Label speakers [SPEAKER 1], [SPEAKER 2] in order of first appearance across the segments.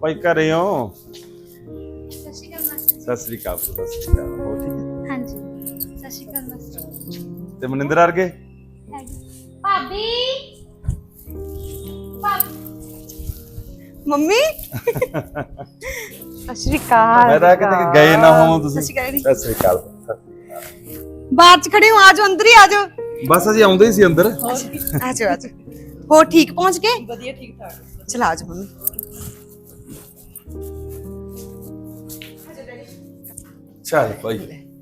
[SPEAKER 1] ਭਾਈ ਘਰੇ ਹੋ?
[SPEAKER 2] ਸਤਿ ਸ਼੍ਰੀ ਅਕਾਲ ਮਾਸਟਰ
[SPEAKER 1] ਸਤਿ ਸ੍ਰੀ ਅਕਾਲ, ਸਤਿ ਸ੍ਰੀ ਅਕਾਲ। ਹੋ ਠੀਕ ਹੈ?
[SPEAKER 2] ਹਾਂਜੀ ਸਤਿ ਸ਼੍ਰੀ ਅਕਾਲ ਮਾਸਟਰ
[SPEAKER 1] ਤੇ ਮਨਿੰਦਰ ਵਰਗੇ?
[SPEAKER 2] ਭਾਬੀ
[SPEAKER 3] ਮੰਮੀ ਸਤਿ ਸ਼੍ਰੀ ਅਕਾਲ।
[SPEAKER 1] ਮੈਂ ਤਾਂ ਕਿਤੇ ਗਏ ਨਾ ਹੋ ਤੁਸੀਂ। ਸਤਿ ਸ੍ਰੀ ਅਕਾਲ।
[SPEAKER 3] ਬਾਹਰ ਚ ਖੜੇ ਹੋ, ਆਜੋ ਅੰਦਰ ਹੀ ਆਜੋ।
[SPEAKER 1] ਬਸ ਅਸੀਂ ਆਉਂਦੇ ਹੀ ਸੀ ਅੰਦਰ।
[SPEAKER 3] ਆਜੋ ਆਜੋ। ਹੋ ਠੀਕ ਪਹੁੰਚ ਗਏ? ਵਧੀਆ ਠੀਕ ਠਾਕ। ਚਲ ਆਜੋ ਮੰਮੀ।
[SPEAKER 1] ਚੱਲ ਭਾਈ।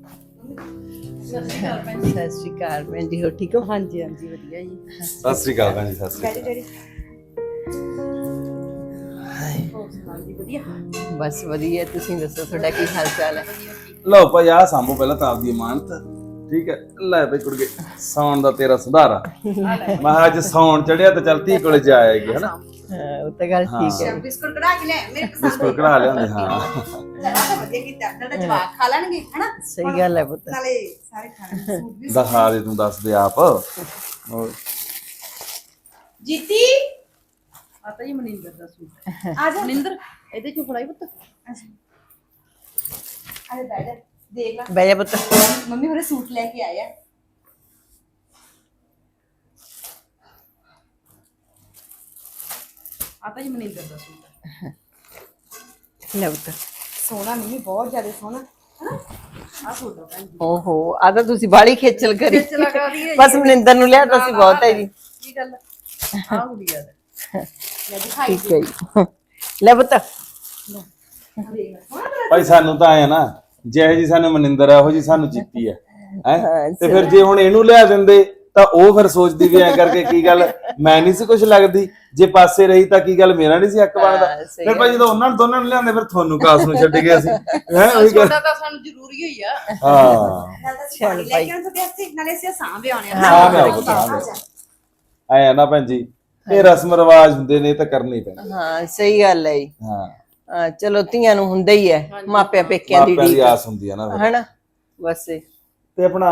[SPEAKER 4] ਸਤਿ ਸ਼੍ਰੀ ਅਕਾਲ ਭੈਣ ਜੀ, ਹੋ ਠੀਕ ਹੋ?
[SPEAKER 3] ਹਾਂਜੀ ਹਾਂਜੀ ਵਧੀਆ ਜੀ।
[SPEAKER 1] ਸਤਿ ਸ੍ਰੀ ਅਕਾਲ ਭੈਣ ਜੀ, ਸਤਿ ਸ੍ਰੀ ਅਕਾਲ।
[SPEAKER 4] ਬਸ ਵਧੀਆ, ਤੁਸੀਂ ਦੱਸੋ ਤੁਹਾਡਾ ਕੀ ਹਾਲ ਚਾਲ ਹੈ?
[SPEAKER 1] ਲਓ ਭਾਈ ਆ ਸਾਂਭੋ ਪਹਿਲਾਂ ਤਾਂ ਆਪਦੀ ਇਮਾਨਤ। ਠੀਕ ਹੈ, ਲੈ ਭਾਈ ਕੁੜਗੇ ਸੌਣ ਦਾ ਤੇਰਾ ਸੁਧਾਰਾ। ਮੈਂ ਕਿਹਾ ਅੱਜ ਸੌਣ ਚੜਿਆ ਤਾਂ ਚੱਲ ਧੀ ਕੋਲੇ ਜਾ ਆਏਗੀ ਹਨਾ।
[SPEAKER 4] ਹਾਂ ਉਹ ਤਾਂ ਗੱਲ ਠੀਕ ਹੈ।
[SPEAKER 3] ਬਿਸਕੁਟ ਕਢਾ ਕੇ ਲੈ ਮੇਰੇ ਪਸੰਦ
[SPEAKER 1] ਬਿਸਕੁਟ ਕਢਾ ਲਿਆਂਦੇ। ਹਾਂ
[SPEAKER 3] ਚਲਾ ਤਾਂ ਵਧੀਆ ਕੀਤਾ, ਨਾਲ ਜਵਾਕ ਖਾ ਲੈਣਗੇ ਹਨਾ।
[SPEAKER 4] ਸਹੀ ਗੱਲ ਹੈ ਪੁੱਤ।
[SPEAKER 3] ਨਾਲੇ ਸਾਰੇ ਖਾਣਗੇ ਸੂਟ ਵੀ।
[SPEAKER 1] ਦਿਖਾ ਦੇ ਤੂੰ, ਦੱਸ ਦੇ ਆਪ। ਹੋਰ
[SPEAKER 3] ਜੀਤੀ
[SPEAKER 5] ਆਤਾ ਜੀ ਮਨਿੰਦਰ ਦਾ ਸੂਟ।
[SPEAKER 3] ਆ ਜਾ।
[SPEAKER 5] ਮਨਿੰਦਰ ਇਹਦੇ ਚੋਂ ਫੜਾਈ ਪੁੱਤ।
[SPEAKER 3] ਅਰੇ ਬੈਠ ਜਾ, ਦੇਖ ਲੈ
[SPEAKER 4] ਬਹਿ ਜਾ ਪੁੱਤ।
[SPEAKER 3] ਮੰਮੀ ਉਹਨੇ ਸੂਟ ਲੈ ਕੇ ਆਇਆ।
[SPEAKER 5] ਆਤਾ ਜੀ ਮਨਿੰਦਰ ਦਾ ਸੂਟ।
[SPEAKER 4] ਲੈ ਪੁੱਤ।
[SPEAKER 3] ਸੋਹਣਾ ਮੰਮੀ, ਬਹੁਤ ਜ਼ਿਆਦਾ ਸੋਹਣਾ।
[SPEAKER 5] ਆ ਸੂਟ ਆ ਭੈਣ ਜੀ।
[SPEAKER 4] ਓਹੋ ਆ ਤਾਂ ਤੁਸੀਂ ਬਾੜੀ ਖੇਚਲ ਕਰੀ।
[SPEAKER 5] ਚਲਾ ਕਰੀ ਹੈ
[SPEAKER 4] ਬਸ ਮਨਿੰਦਰ ਨੂੰ ਲਿਆ ਤਾਂ ਸੀ ਬਹੁਤ ਹੈ ਜੀ।
[SPEAKER 5] ਕੀ ਗੱਲ ਆ ਗੁੜੀਆ ਦਾ
[SPEAKER 3] ਲੈ ਦਿਖਾਈ
[SPEAKER 4] ਠੀਕ ਹੈ ਜੀ। ਲੈ ਪੁੱਤ।
[SPEAKER 1] ਭਾਈ ਸਾਨੂੰ ਤਾਂ ਆਇਆ ਨਾ, ਜਿਹੋ ਜੀ ਸਾਨੂੰ ਮਨਿੰਦਰ ਆ ਉਹੋ ਜੀ ਸਾਨੂੰ ਜੀਤੀ ਹੈ ਹੈ। ਤੇ ਫਿਰ ਜੇ ਹੁਣ ਇਹਨੂੰ ਲਿਆ ਦਿੰਦੇ ਤਾਂ ਉਹ ਫਿਰ ਸੋਚਦੀ ਵੀ ਐ ਕਰਕੇ ਕੀ ਗੱਲ ਮੈਂ ਨਹੀਂ ਸੀ ਕੁਝ ਲੱਗਦੀ, ਜੇ ਪਾਸੇ ਰਹੀ ਤਾਂ ਕੀ ਗੱਲ ਮੇਰਾ ਨਹੀਂ ਸੀ ਹੱਕ ਬਣਦਾ।
[SPEAKER 4] ਸਹੀ
[SPEAKER 1] ਫਿਰ ਭਾਈ ਜਦੋਂ ਉਹਨਾਂ ਨੂੰ ਦੋਨਾਂ ਨੂੰ ਲਿਆਂਦੇ ਫਿਰ ਤੁਹਾਨੂੰ ਕਾਸ ਨੂੰ ਛੱਡ ਗਏ ਅਸੀਂ ਹੈ ਉਹੀ ਗੱਲ।
[SPEAKER 5] ਛੋਟਾ ਤਾਂ ਸਾਨੂੰ ਜ਼ਰੂਰੀ ਹੋਈ ਆ।
[SPEAKER 1] ਹਾਂ
[SPEAKER 3] ਚੱਲ ਲੈ ਕੇ ਆਉਣ ਤੁਹਾਡੇ ਵਾਸਤੇ, ਨਾਲੇ ਅਸੀਂ ਸਾਂਭ ਆਉਣੇ ਆ।
[SPEAKER 1] ਸਾਂਭ ਆਓ, ਸਾਂਭ ਆਓ। ਆਇਆ ਨਾ ਭੈਣ ਜੀ, ਇਹ ਰਸਮ ਰਿਵਾਜ ਹੁੰਦੇ ਨੇ ਤਾਂ ਕਰਨੇ ਹੀ ਪੈਣੇ।
[SPEAKER 4] ਹਾਂ ਸਹੀ ਗੱਲ ਹੈ ਜੀ।
[SPEAKER 1] ਹਾਂ
[SPEAKER 4] ਚਲੋ ਧੀਆਂ ਨੂੰ ਹੁੰਦਾ ਹੀ ਹੈ ਮਾਪਿਆਂ ਪੇਕਿਆਂ ਦੀ
[SPEAKER 1] ਮਾਪਿਆਂ ਦੀ
[SPEAKER 4] ਢੀਕ
[SPEAKER 1] ਆਸ ਹੁੰਦੀ ਹੈ ਨਾ ਫਿਰ।
[SPEAKER 4] ਹਨਾ। ਬਸ
[SPEAKER 1] ਤੇ ਆਪਣਾ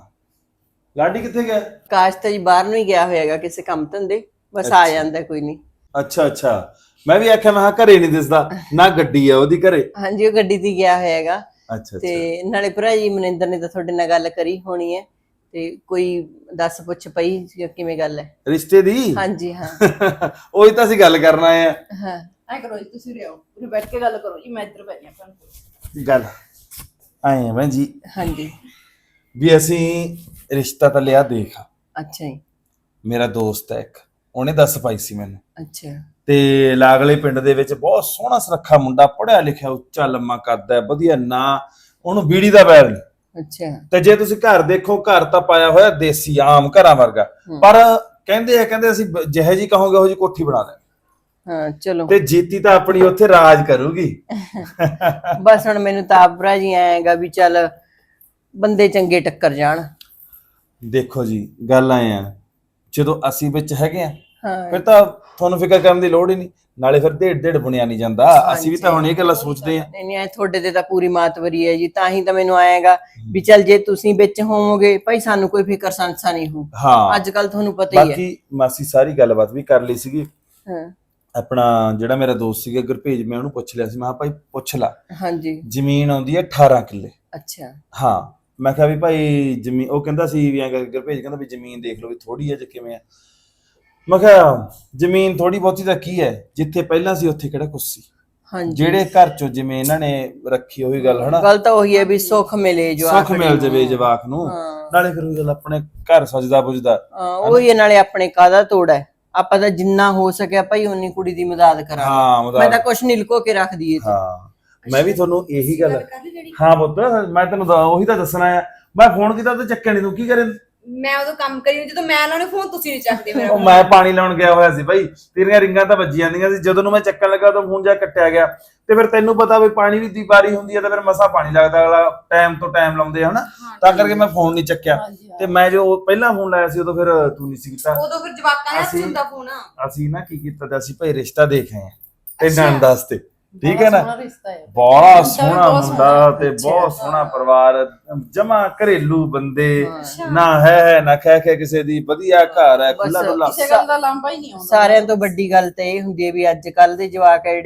[SPEAKER 1] ਲਾਡੀ ਕਿੱਥੇ ਗਿਆ?
[SPEAKER 4] ਕਾਸ਼ ਤਾਂ ਜੀ ਬਾਹਰ ਨੂੰ ਹੀ ਗਿਆ ਹੋਇਆਗਾ ਕਿਸੇ ਕੰਮ ਧੰਦੇ, ਬਸ ਆ ਜਾਂਦਾ ਕੋਈ ਨਹੀਂ।
[SPEAKER 1] ਅੱਛਾ ਅੱਛਾ, ਮੈਂ ਵੀ ਆਖਿਆ ਮੈਂ ਕਿਹਾ ਘਰੇ ਨਹੀਂ ਦਿਸਦਾ ਨਾ, ਗੱਡੀ ਆ ਉਹਦੀ ਘਰੇ।
[SPEAKER 4] ਹਾਂਜੀ ਉਹ ਗੱਡੀ ਤੇ ਗਿਆ ਹੋਇਆਗਾ।
[SPEAKER 1] ਅੱਛਾ
[SPEAKER 4] ਤੇ ਨਾਲੇ ਭਰਾ ਜੀ ਮਨਿੰਦਰ ਨੇ ਤਾਂ ਤੁਹਾਡੇ ਨਾਲ ਗੱਲ ਕਰੀ ਹੋਣੀ ਹੈ, ਤੇ ਕੋਈ ਦੱਸ ਪੁੱਛ ਪਈ ਕਿਵੇਂ ਗੱਲ ਹੈ?
[SPEAKER 1] ਰਿਸ਼ਤੇ ਦੀ?
[SPEAKER 4] ਹਾਂਜੀ ਹਾਂ।
[SPEAKER 1] ਉਹੀ ਤਾਂ ਅਸੀਂ ਗੱਲ ਕਰਨ ਆਏ ਆ।
[SPEAKER 4] ਹਾਂ
[SPEAKER 5] ਐ ਕਰੋ ਜੀ, ਤੁਸੀਂ ਰਿਓ ਉਰੇ ਬੈਠ ਕੇ ਗੱਲ ਕਰੋ ਜੀ, ਮੈਂ ਇੱਧਰ ਬੈਠੀ ਆ ਭੈਣ ਕੋਲ।
[SPEAKER 1] ਗੱਲ ਆਏ ਆ ਭੈਣ ਜੀ
[SPEAKER 4] ਹਾਂਜੀ।
[SPEAKER 1] ਵੀ ਅਸੀਂ ਰਿਸ਼ਤਾ ਤਾਂ ਲਿਆ ਦੇਖ।
[SPEAKER 4] ਅੱਛਾ ਜੀ।
[SPEAKER 1] ਮੇਰਾ ਦੋਸਤ ਹੈ ਇੱਕ, ਉਹਨੇ ਦੱਸ ਪਾਈ ਸੀ ਮੈਨੂੰ।
[SPEAKER 4] ਅੱਛਾ।
[SPEAKER 1] ਤੇ ਲਾਗਲੇ ਪਿੰਡ ਦੇ ਵਿੱਚ ਬਹੁਤ ਸੋਹਣਾ ਸੁਨੱਖਾ ਮੁੰਡਾ, ਪੜ੍ਹਿਆ ਲਿਖਿਆ, ਉੱਚਾ ਲੰਮਾ ਕੱਦ ਹੈ, ਵਧੀਆ ਨਾਂ, ਉਹਨੂੰ ਬੀੜੀ ਦਾ ਵੈਰ ਨਹੀਂ।
[SPEAKER 4] ਅੱਛਾ।
[SPEAKER 1] ਤੇ ਜੇ ਤੁਸੀਂ ਘਰ ਦੇਖੋ, ਘਰ ਤਾਂ ਪਾਇਆ ਹੋਇਆ ਦੇਸੀ ਆਮ ਘਰਾਂ ਵਰਗਾ, ਪਰ ਕਹਿੰਦੇ ਅਸੀਂ ਜਿਹੇ ਜੀ ਕਹੋਗੇ ਉਹ ਜੀ ਕੋਠੀ ਬਣਾ ਦੇ।
[SPEAKER 4] ਹਾਂ ਚਲੋ।
[SPEAKER 1] ਤੇ ਜੀਤੀ ਤਾਂ ਆਪਣੀ ਉੱਥੇ ਰਾਜ ਕਰੂਗੀ।
[SPEAKER 4] ਬਸ ਹੁਣ ਮੈਨੂੰ ਤਾਂ ਆਪ ਭਰਾ ਜੀ ਆਏਗਾ ਵੀ ਚੱਲ ਬੰਦੇ ਚੰਗੇ ਟੱਕਰ ਜਾਣ।
[SPEAKER 1] ਦੇਖੋ ਜੀ ਗੱਲ ਆਏ ਆ, ਜਦੋਂ ਅਸੀਂ ਵਿੱਚ ਹੈਗੇ ਆ
[SPEAKER 4] ਹਾਂ
[SPEAKER 1] ਫਿਰ ਤਾਂ ਤੁਹਾਨੂੰ ਫਿਕਰ ਕਰਨ ਦੀ ਲੋੜ ਹੀ ਨਹੀਂ, ਨਾਲੇ ਫਿਰ ਢੇਡ ਬੁਣਿਆ ਨਹੀਂ ਜਾਂਦਾ। ਅਸੀਂ ਵੀ ਤਾਂ ਹੁਣ ਇਹ ਗੱਲਾਂ ਸੋਚਦੇ ਆ।
[SPEAKER 4] ਨਹੀਂ ਨਹੀਂ ਐ ਤੁਹਾਡੇ ਤੇ ਤਾਂ ਪੂਰੀ ਮਾਤਵਰੀ ਹੈ ਜੀ, ਤਾਂ ਹੀ ਤਾਂ ਮੈਨੂੰ ਆਏਗਾ ਵੀ ਚੱਲ ਜੇ ਤੁਸੀਂ ਵਿੱਚ ਹੋਵੋਗੇ ਭਾਈ ਸਾਨੂੰ ਕੋਈ ਫਿਕਰ ਸੰਸਾ ਨਹੀਂ ਹੋ।
[SPEAKER 1] ਹਾਂ
[SPEAKER 4] ਅੱਜ ਕੱਲ ਤੁਹਾਨੂੰ ਪਤਾ ਹੀ ਹੈ।
[SPEAKER 1] ਬਾਕੀ ਮਾਸੀ ਸਾਰੀ ਗੱਲਬਾਤ ਵੀ ਕਰ ਲਈ ਸੀਗੀ।
[SPEAKER 4] ਹਾਂ
[SPEAKER 1] ਆਪਣਾ ਜਿਹੜਾ ਮੇਰਾ ਦੋਸਤ ਸੀਗਾ ਗੁਰਭੇਜ, ਮੈਂ ਉਹਨੂੰ ਪੁੱਛ ਲਿਆ ਸੀ, ਮੈਂ ਕਿਹਾ ਭਾਈ ਪੁੱਛ ਲੈ,
[SPEAKER 4] ਹਾਂਜੀ।
[SPEAKER 1] ਜ਼ਮੀਨ ਆਉਂਦੀ ਹੈ 18 ਕਿੱਲੇ।
[SPEAKER 4] ਅੱਛਾ।
[SPEAKER 1] ਹਾਂ ਮੈਂ ਕਿਹਾ ਵੀ ਭਾਈ ਜ਼ਮੀਨ, ਉਹ ਕਹਿੰਦਾ ਸੀ ਵੀ ਐਂ ਗੁਰਭੇਜ ਕਹਿੰਦਾ ਵੀ ਜ਼ਮੀਨ ਦੇਖ ਲਓ ਵੀ ਥੋੜੀ ਹੈ ਜੇ ਕਿਵੇਂ ਆ। ਮੈਂ ਕਿਹਾ ਜ਼ਮੀਨ ਥੋੜੀ ਬਹੁਤੀ ਤਾਂ ਕੀ ਹੈ, ਜਿੱਥੇ ਪਹਿਲਾਂ ਸੀ ਉੱਥੇ ਕਿਹੜਾ ਕੁਛ ਸੀ।
[SPEAKER 4] ਹਾਂਜੀ
[SPEAKER 1] ਜਿਹੜੇ ਘਰ ਚੋਂ ਜਿਵੇਂ ਇਹਨਾਂ ਨੇ ਰੱਖੀ ਉਹੀ ਗੱਲ ਹਨਾ,
[SPEAKER 4] ਗੱਲ ਤਾਂ ਉਹੀ ਹੈ ਵੀ ਸੁੱਖ ਮਿਲੇ ਜੋ
[SPEAKER 1] ਸੁੱਖ ਮਿਲ ਜਾਵੇ ਜਵਾਕ ਨੂੰ, ਨਾਲੇ ਫਿਰ ਉਹ ਗੱਲ ਆਪਣੇ ਘਰ ਸਜਦਾ ਪੁੱਜਦਾ।
[SPEAKER 4] ਉਹੀ ਨਾਲੇ ਆਪਣੇ ਕਾਹਦਾ ਤੋੜ ਹੈ, ਆਪਾਂ ਤਾਂ ਜਿੰਨਾ ਹੋ ਸਕਿਆ ਭਾਈ ਉਨੀ ਕੁੜੀ ਦੀ ਮਦਦ ਕਰਾਂਗੇ।
[SPEAKER 1] ਹਾਂ
[SPEAKER 4] ਮੈਂ ਤਾਂ ਕੁਛ ਨਹੀਂ ਲੁਕੋ ਕੇ ਰੱਖਦੀ ਏ।
[SPEAKER 1] ਹਾਂ ਮੈਂ ਵੀ ਤੁਹਾਨੂੰ ਇਹੀ ਗੱਲ, ਹਾਂ ਪੁੱਤ ਮੈਂ ਤੈਨੂੰ ਉਹੀ ਤਾਂ ਦੱਸਣਾ ਆ। ਮੈਂ ਫੋਨ ਕੀਤਾ ਤੇ ਚੱਕਿਆ ਨਹੀਂ, ਤੂੰ ਕੀ ਕਰੇ?
[SPEAKER 3] ਮੈਂ ਉਦੋਂ ਕੰਮ ਕਰੀ ਜਦੋਂ ਮੈਂ ਲਾਉਣੇ ਫੋਨ, ਤੁਸੀਂ ਨਹੀਂ ਚੱਕਦੇ ਮੇਰਾ।
[SPEAKER 1] ਉਹ ਮੈਂ ਪਾਣੀ ਲਾਉਣ ਗਿਆ ਹੋਇਆ ਸੀ ਭਾਈ, ਤੇਰੀਆਂ ਰਿੰਗਾਂ ਤਾਂ ਵੱਜੀ ਜਾਂਦੀਆਂ ਸੀ, ਜਦੋਂ ਨੂੰ ਮੈਂ ਚੱਕਣ ਲੱਗਾ ਤਾਂ ਫੋਨ ਜਾ ਕੱਟਿਆ ਗਿਆ। ਤੇ ਫਿਰ ਤੈਨੂੰ ਪਤਾ ਵੀ ਪਾਣੀ ਦੀ ਵਾਰੀ ਹੁੰਦੀ ਹੈ ਤਾਂ ਫਿਰ ਮਸਾ ਪਾਣੀ ਲੱਗਦਾ, ਅਗਲਾ ਟਾਈਮ ਤੋਂ ਟਾਈਮ ਲਾਉਂਦੇ ਹਨਾ, ਤਾਂ ਕਰਕੇ ਮੈਂ ਫੋਨ ਨਹੀਂ ਚੱਕਿਆ। ਤੇ ਮੈਂ ਜੋ ਪਹਿਲਾਂ ਫੋਨ ਲਾਇਆ ਸੀ ਉਦੋਂ ਫਿਰ ਤੂੰ ਨਹੀਂ ਸੀ ਕੀਤਾ।
[SPEAKER 3] ਉਦੋਂ ਫਿਰ ਜਵਾਕਾਂ ਨੇ ਹੱਥ ਹੁੰਦਾ ਫੋਨ।
[SPEAKER 1] ਅਸੀਂ ਨਾ ਕੀ ਕੀਤਾ ਤੇ ਅਸੀਂ ਭਾਈ ਰਿਸ਼ਤਾ ਦੇਖ ਆਏ ਤੇ ਨੰਦਾਸ ਤੇ, ਠੀਕ ਹੈ ਨਾ,
[SPEAKER 5] ਸੋਹਣਾ ਰਿਸ਼ਤਾ ਹੈ।
[SPEAKER 1] ਬੜਾ ਸੋਹਣਾ ਮੁੰਡਾ ਤੇ ਬਹੁਤ ਸੋਹਣਾ ਪਰਿਵਾਰ, ਜਮਾ ਘਰੇਲੂ ਬੰਦੇ, ਨਾ ਹੈ ਨਾ ਖੈ ਕਿਸੇ ਦੀ, ਵਧੀਆ ਘਰ ਹੈ, ਖੁੱਲਾ ਡੁੱਲਾ।
[SPEAKER 5] ਕਿਸੇ ਗੱਲ ਦਾ ਲਾਂਭਾ ਹੀ ਨਹੀਂ ਆਉਂਦਾ।
[SPEAKER 4] ਸਾਰਿਆਂ ਤੋਂ ਵੱਡੀ ਗੱਲ ਤਾਂ ਇਹ ਹੁੰਦੀ ਹੈ ਵੀ ਅੱਜ ਕੱਲ ਦੇ ਜਵਾਕ ਆ ਜਿਹੜੇ ਉਹ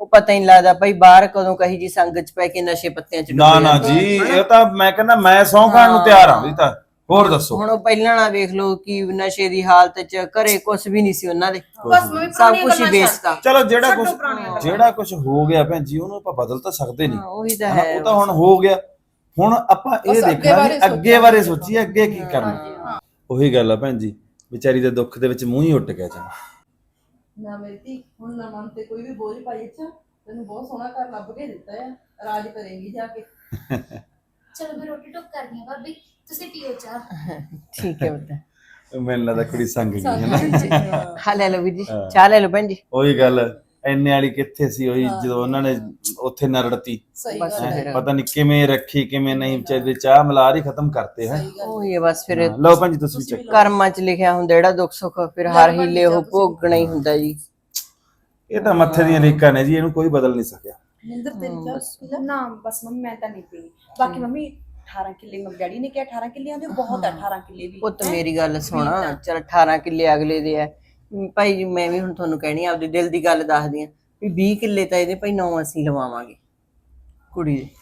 [SPEAKER 4] ਉਹ ਪਤਾ ਹੀ ਨਹੀਂ ਲੱਗਦਾ ਭਾਈ ਬਾਹਰ ਕਦੋਂ ਕਹੀ ਜੀ ਸੰਗਤ ਚ ਪੈ ਕੇ ਨਸ਼ੇ ਪੱਤਿਆਂ ਚ
[SPEAKER 1] ਨਾ
[SPEAKER 4] ਡੁੱਬ
[SPEAKER 1] ਨਾ
[SPEAKER 4] ਜਾਂਦੇ ਆ,
[SPEAKER 1] ਜੀ
[SPEAKER 4] ਹਨਾ?
[SPEAKER 1] ਇਹ ਤਾਂ ਮੈਂ ਕਹਿੰਦਾ ਮੈਂ ਸਹੁੰ ਖਾਣ ਨੂੰ ਤਿਆਰ ਹਾਂ ਵੀ ਤਾਂ ਹੋਰ ਦੱਸੋ।
[SPEAKER 4] ਹੁਣ ਉਹ ਪਹਿਲਾਂ ਨਾ ਵੇਖ ਲਓ ਕਿ ਨਸ਼ੇ ਦੀ ਹਾਲਤ ਚ ਘਰੇ ਕੁਝ ਵੀ ਨਹੀਂ ਸੀ ਉਹਨਾਂ ਦੇ,
[SPEAKER 5] ਬਸ ਮੈਂ
[SPEAKER 4] ਸਭ ਕੁਝ ਹੀ ਵੇਚਤਾ।
[SPEAKER 1] ਚਲੋ ਜਿਹੜਾ
[SPEAKER 5] ਪੁਰਾਣੀਆਂ
[SPEAKER 1] ਜਿਹੜਾ ਕੁਝ ਹੋ ਗਿਆ ਭੈਣ ਜੀ ਉਹਨੂੰ ਆਪਾਂ ਬਦਲ ਤਾਂ ਸਕਦੇ ਨਹੀਂ,
[SPEAKER 4] ਉਹੀ ਤਾਂ
[SPEAKER 1] ਹਨਾ?
[SPEAKER 4] ਹੈ।
[SPEAKER 1] ਉਹ ਤਾਂ ਹੁਣ ਹੋ ਗਿਆ। ਹੁਣ ਆਪਾਂ ਇਹ
[SPEAKER 5] ਬਸ ਅੱਗੇ
[SPEAKER 1] ਦੇਖਣਾ
[SPEAKER 5] ਬਾਰੇ
[SPEAKER 1] ਵੀ ਅੱਗੇ ਬਾਰੇ ਸੋਚੀਏ ਅੱਗੇ ਕੀ ਕਰਨਾ। ਉਹੀ ਗੱਲ ਆ ਭੈਣ ਜੀ, ਵਿਚਾਰੀ ਦੇ ਦੁੱਖ ਦੇ ਵਿੱਚ ਮੂੰਹ ਹੀ ਉੱਟ ਗਿਆ ਜਮਾ।
[SPEAKER 5] ਨਾ ਮੇਰੀ ਧੀ, ਹੁਣ ਨਾ ਮਨ ਤੇ ਕੋਈ ਵੀ ਬੋਝ ਪਾਈ ਅੱਛਾ, ਤੈਨੂੰ ਬਹੁਤ ਸੋਹਣਾ ਘਰ ਲੱਭ ਕੇ ਦਿੱਤਾ ਆ, ਰਾਜ ਕਰੇਂਗੀ ਜਾ ਕੇ।
[SPEAKER 2] ਚਲੋ ਮੈਂ ਰੋਟੀ ਟੁੱਕ ਕਰਨੀ ਆ ਭਾਬੀ, ਤੁਸੀਂ ਪੀਓ ਚਾਹ।
[SPEAKER 4] ਠੀਕ ਹੈ ਬਤਾ।
[SPEAKER 1] ਮੈਨੂੰ ਲੱਗਦਾ ਕੁੜੀ ਸੰਗ ਗਈ ਹੈ ਨਾ।
[SPEAKER 4] ਹਾਂ ਲੈ ਲਓ ਵੀਰ ਜੀ, ਚਾਹ ਲੈ ਲਓ ਭੈਣ ਜੀ।
[SPEAKER 1] ਉਹੀ ਗੱਲ ਐਨੇ ਵਾਲੀ ਕਿੱਥੇ ਸੀ, ਉਹੀ ਜਦੋਂ ਉਹਨਾਂ ਨੇ ਉੱਥੇ ਨਰੜਤੀ,
[SPEAKER 5] ਸਹੀ
[SPEAKER 4] ਬਸ
[SPEAKER 5] ਗੱਲ ਹੈ।
[SPEAKER 4] ਫਿਰ
[SPEAKER 1] ਪਤਾ ਨਹੀਂ ਕਿਵੇਂ ਰੱਖੀ ਕਿਵੇਂ ਨਹੀਂ, ਵਿਚਾਰੇ ਦੇ ਚਾਹ ਮਲਾਰ ਹੀ ਖਤਮ ਕਰਤੇ ਹੈ।
[SPEAKER 4] ਉਹੀ ਹੈ ਬਸ ਫਿਰ
[SPEAKER 1] ਲਓ ਭੈਣ ਜੀ ਤੁਸੀਂ ਵੀ ਚੱਕ।
[SPEAKER 4] ਕਰਮਾਂ ਚ ਲਿਖਿਆ ਹੁੰਦਾ ਜਿਹੜਾ ਦੁੱਖ ਸੁੱਖ ਫਿਰ ਹਰ ਹੀਲੇ ਉਹ ਭੋਗਣਾ ਹੀ ਹੁੰਦਾ ਜੀ।
[SPEAKER 1] ਇਹ ਤਾਂ ਮੱਥੇ ਦੀਆਂ ਲੀਕਾਂ ਨੇ ਜੀ, ਇਹਨੂੰ ਕੋਈ ਬਦਲ ਨਹੀਂ ਸਕਿਆ।
[SPEAKER 5] ਨਿੰਦਰ ਤੇਰੀ ਚਾਹ
[SPEAKER 3] ਨਾ ਬਸ ਮੰਮੀ ਮੈਂ ਤਾਂ ਨਹੀਂ ਪੀਣੀ। ਬਾਕੀ ਮੰਮੀ 18 ਕਿੱਲੇ ਮੰਮੀ ਡੈਡੀ ਨੇ ਕਿਹਾ 18 ਕਿੱਲੇ ਆਂਦੇ ਬਹੁਤ ਆ 18 ਕਿੱਲੇ ਵੀ।
[SPEAKER 4] ਪੁੱਤ ਮੇਰੀ ਗੱਲ ਸੁਣ, ਚਲ 18 ਕਿੱਲੇ ਅਗਲੇ ਦੇ ਆ ਭਾਈ ਜੀ, ਮੈਂ ਵੀ ਹੁਣ ਤੁਹਾਨੂੰ ਕਹਿਣੀ ਆਪਦੇ ਦਿਲ ਦੀ ਗੱਲ ਦੱਸਦੀ ਆ ਵੀ 20 ਕਿੱਲੇ ਤਾਂ ਇਹਦੇ ਭਾਈ 9 ਅਸੀਂ ਲਵਾਵਾਂਗੇ ਕੁੜੀ ਦੇ।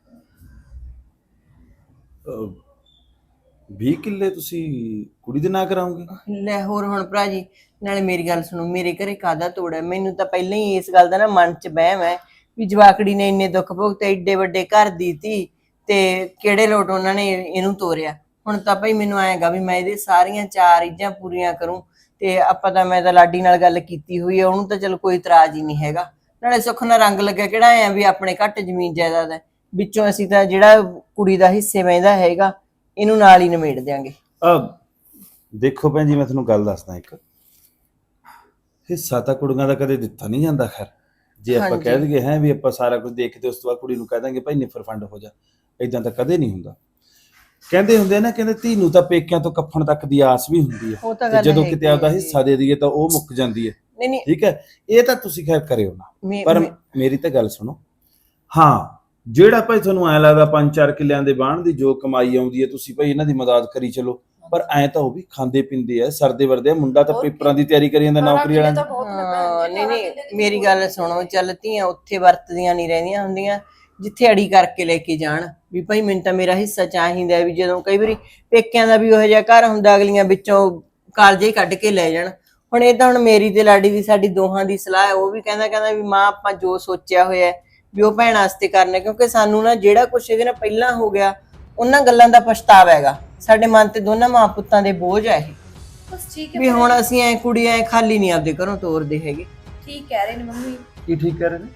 [SPEAKER 1] 20 ਕਿੱਲੇ ਤੁਸੀਂ ਕੁੜੀ ਦੇ ਨਾਂ ਕਰਾਉਂਗੇ?
[SPEAKER 4] ਲੈ ਹੋਰ ਹੁਣ ਭਰਾ ਜੀ, ਨਾਲੇ ਮੇਰੀ ਗੱਲ ਸੁਣੋ, ਮੇਰੇ ਘਰੇ ਕਾਹਦਾ ਤੋੜ ਹੈ? ਮੈਨੂੰ ਤਾਂ ਪਹਿਲਾਂ ਹੀ ਇਸ ਗੱਲ ਦਾ ਨਾ ਮਨ ਚ ਵਹਿਮ ਹੈ ਵੀ ਜਵਾਕੜੀ ਨੇ ਇੰਨੇ ਦੁੱਖ ਭੋਗਤੇ, ਏਡੇ ਵੱਡੇ ਘਰ ਦੀ ਤੀ, ਤੇ ਕਿਹੜੇ ਲੋਟ ਉਹਨਾਂ ਨੇ ਇਹਨੂੰ ਤੋਰਿਆ। ਹੁਣ ਤਾਂ ਭਾਈ ਮੈਨੂੰ ਆਏਗਾ ਵੀ ਮੈਂ ਇਹਦੇ ਸਾਰੀਆਂ 4 ਇੱਜਾਂ ਪੂਰੀਆਂ ਕਰੂੰ, ਤੇ ਆਪਾਂ ਤਾਂ ਮੈਂ ਤਾਂ ਲਾਡੀ ਨਾਲ ਗੱਲ ਕੀਤੀ ਹੋਈ ਹੈ, ਉਹਨੂੰ ਤਾਂ ਚਲ ਕੋਈ ਇਤਰਾਜ਼ ਹੀ ਨਹੀਂ ਹੈਗਾ। ਨਾਲੇ ਸੁੱਖ ਨਾਲ ਰੰਗ ਲੱਗਿਆ ਕਿਹੜਾ ਆ ਵੀ ਆਪਣੇ ਘੱਟ ਜ਼ਮੀਨ ਜਾਇਦਾਦ ਹੈ, ਵਿੱਚੋਂ ਅਸੀਂ ਤਾਂ ਜਿਹੜਾ ਕੁੜੀ ਦਾ ਹਿੱਸੇ ਪੈਂਦਾ ਹੈਗਾ ਇਹਨੂੰ ਨਾਲ ਹੀ ਨਿਮੇੜ ਦਿਆਂਗੇ।
[SPEAKER 1] ਦੇਖੋ ਭੈਣ ਜੀ, ਮੈਂ ਤੁਹਾਨੂੰ ਗੱਲ ਦੱਸਦਾ ਇੱਕ, ਹਿੱਸਾ ਤਾਂ ਕੁੜੀਆਂ ਦਾ ਕਦੇ ਦਿੱਤਾ ਨਹੀਂ ਜਾਂਦਾ। ਖੈਰ ਜੇ ਆਪਾਂ ਕਹਿ ਦਈਏ ਹੈ ਵੀ ਆਪਾਂ ਸਾਰਾ ਕੁਝ ਦੇਖ ਕੇ ਉਸ ਤੋਂ ਬਾਅਦ ਕੁੜੀ ਨੂੰ ਕਹਿ ਦਾਂਗੇ ਭਾਈ ਨਿਫਰ ਫੰਡ ਹੋ ਜਾ, ਇਦਾਂ ਤਾਂ ਕਦੇ ਨਹੀਂ ਹੁੰਦਾ। ਕਹਿੰਦੇ ਹੁੰਦੇ ਨਾ, ਕਹਿੰਦੇ ਧੀ ਨੂੰ ਤਾਂ ਪੇਕਿਆਂ ਤੋਂ ਕੱਫਣ ਤੱਕ ਦੀ ਆਸ ਵੀ ਹੁੰਦੀ ਹੈ, ਤੇ ਜਦੋਂ ਕਿਤੇ ਆਪਦਾ ਹਿੱਸਾ ਦੇ ਦਈਏ ਤਾਂ ਉਹ ਮੁੱਕ ਜਾਂਦੀ ਹੈ।
[SPEAKER 4] ਨਹੀਂ
[SPEAKER 1] ਠੀਕ ਹੈ, ਇਹ ਤਾਂ ਤੁਸੀਂ ਖੈਰ ਕਰਿਓ ਨਾ,
[SPEAKER 4] ਨਹੀਂ
[SPEAKER 1] ਪਰ ਮੇਰੀ ਤਾਂ ਗੱਲ ਸੁਣੋ। ਹਾਂ, ਜਿਹੜਾ ਭਾਈ ਤੁਹਾਨੂੰ ਐ ਲੱਗਦਾ 5-4 ਕਿੱਲਿਆਂ ਦੇ ਬਾਣ ਦੀ ਜੋ ਕਮਾਈ ਆਉਂਦੀ ਹੈ, ਤੁਸੀਂ ਭਾਈ ਇਹਨਾਂ ਦੀ ਮਦਦ ਕਰੀ ਚਲੋ, ਪਰ ਐ ਤਾਂ ਉਹ ਵੀ ਖਾਂਦੇ ਪੀਂਦੇ ਆ, ਸਰਦੇ ਵਰਦੇ ਆ। ਮੁੰਡਾ ਤਾਂ ਪੇਪਰਾਂ ਦੀ ਤਿਆਰੀ ਕਰੀ ਜਾਂਦਾ, ਨੌਕਰੀ ਵਾਲਾ।
[SPEAKER 4] ਨਹੀਂ ਮੇਰੀ ਗੱਲ ਸੁਣੋ, ਚੱਲ ਧੀਆਂ ਉੱਥੇ ਵਰਤਦੀਆਂ ਨਹੀਂ ਰਹਿੰਦੀਆਂ ਹੁੰਦੀਆਂ ਜਿੱਥੇ ਅੜੀ ਕਰਕੇ ਲੈ ਕੇ ਜਾਣ ਵੀ ਭਾਈ ਮੈਨੂੰ ਤਾਂ ਮੇਰਾ ਹਿੱਸਾ ਚਾਹੀਦਾ। ਵੀ ਜਦੋਂ ਕਈ ਵਾਰੀ ਪੇਕਿਆਂ ਦਾ ਵੀ ਉਹੋ ਜਿਹਾ ਘਰ ਹੁੰਦਾ, ਅਗਲੀਆਂ ਵਿੱਚੋਂ ਕਾਲਜੇ ਹੀ ਕੱਢ ਕੇ ਲੈ ਜਾਣ। ਹੁਣ ਇਹ ਤਾਂ ਹੁਣ ਮੇਰੀ ਤੇ ਲਾਡੀ ਦੀ ਸਾਡੀ ਦੋਹਾਂ ਦੀ ਸਲਾਹ ਹੈ। ਉਹ ਵੀ ਕਹਿੰਦਾ ਵੀ ਮਾਂ ਆਪਾਂ ਜੋ ਸੋਚਿਆ ਹੋਇਆ ਵੀ ਉਹ ਭੈਣ ਵਾਸਤੇ ਕਰਨਾ, ਕਿਉਂਕਿ ਸਾਨੂੰ ਨਾ ਜਿਹੜਾ ਕੁਛ ਇਹਦੇ ਨਾਲ ਪਹਿਲਾਂ ਹੋ ਗਿਆ ਉਹਨਾਂ ਗੱਲਾਂ ਦਾ ਪਛਤਾਵਾ ਹੈਗਾ ਸਾਡੇ ਮਨ ਤੇ, ਦੋਨਾਂ ਮਾਂ ਪੁੱਤਾਂ ਦੇ ਬੋਝ ਹੈ ਇਹ।
[SPEAKER 5] ਬਸ ਠੀਕ
[SPEAKER 4] ਵੀ ਹੁਣ ਅਸੀਂ ਐ ਕੁੜੀ ਐ ਖਾਲੀ ਨਹੀਂ ਆਪਦੇ ਘਰੋਂ ਤੋਰਦੇ ਹੈਗੇ।
[SPEAKER 5] ਠੀਕ ਕਹਿ ਰਹੇ ਨੇ ਮੰਮੀ।
[SPEAKER 1] ਕੀ ਠੀਕ ਕਰ ਰਹੇ ਨੇ?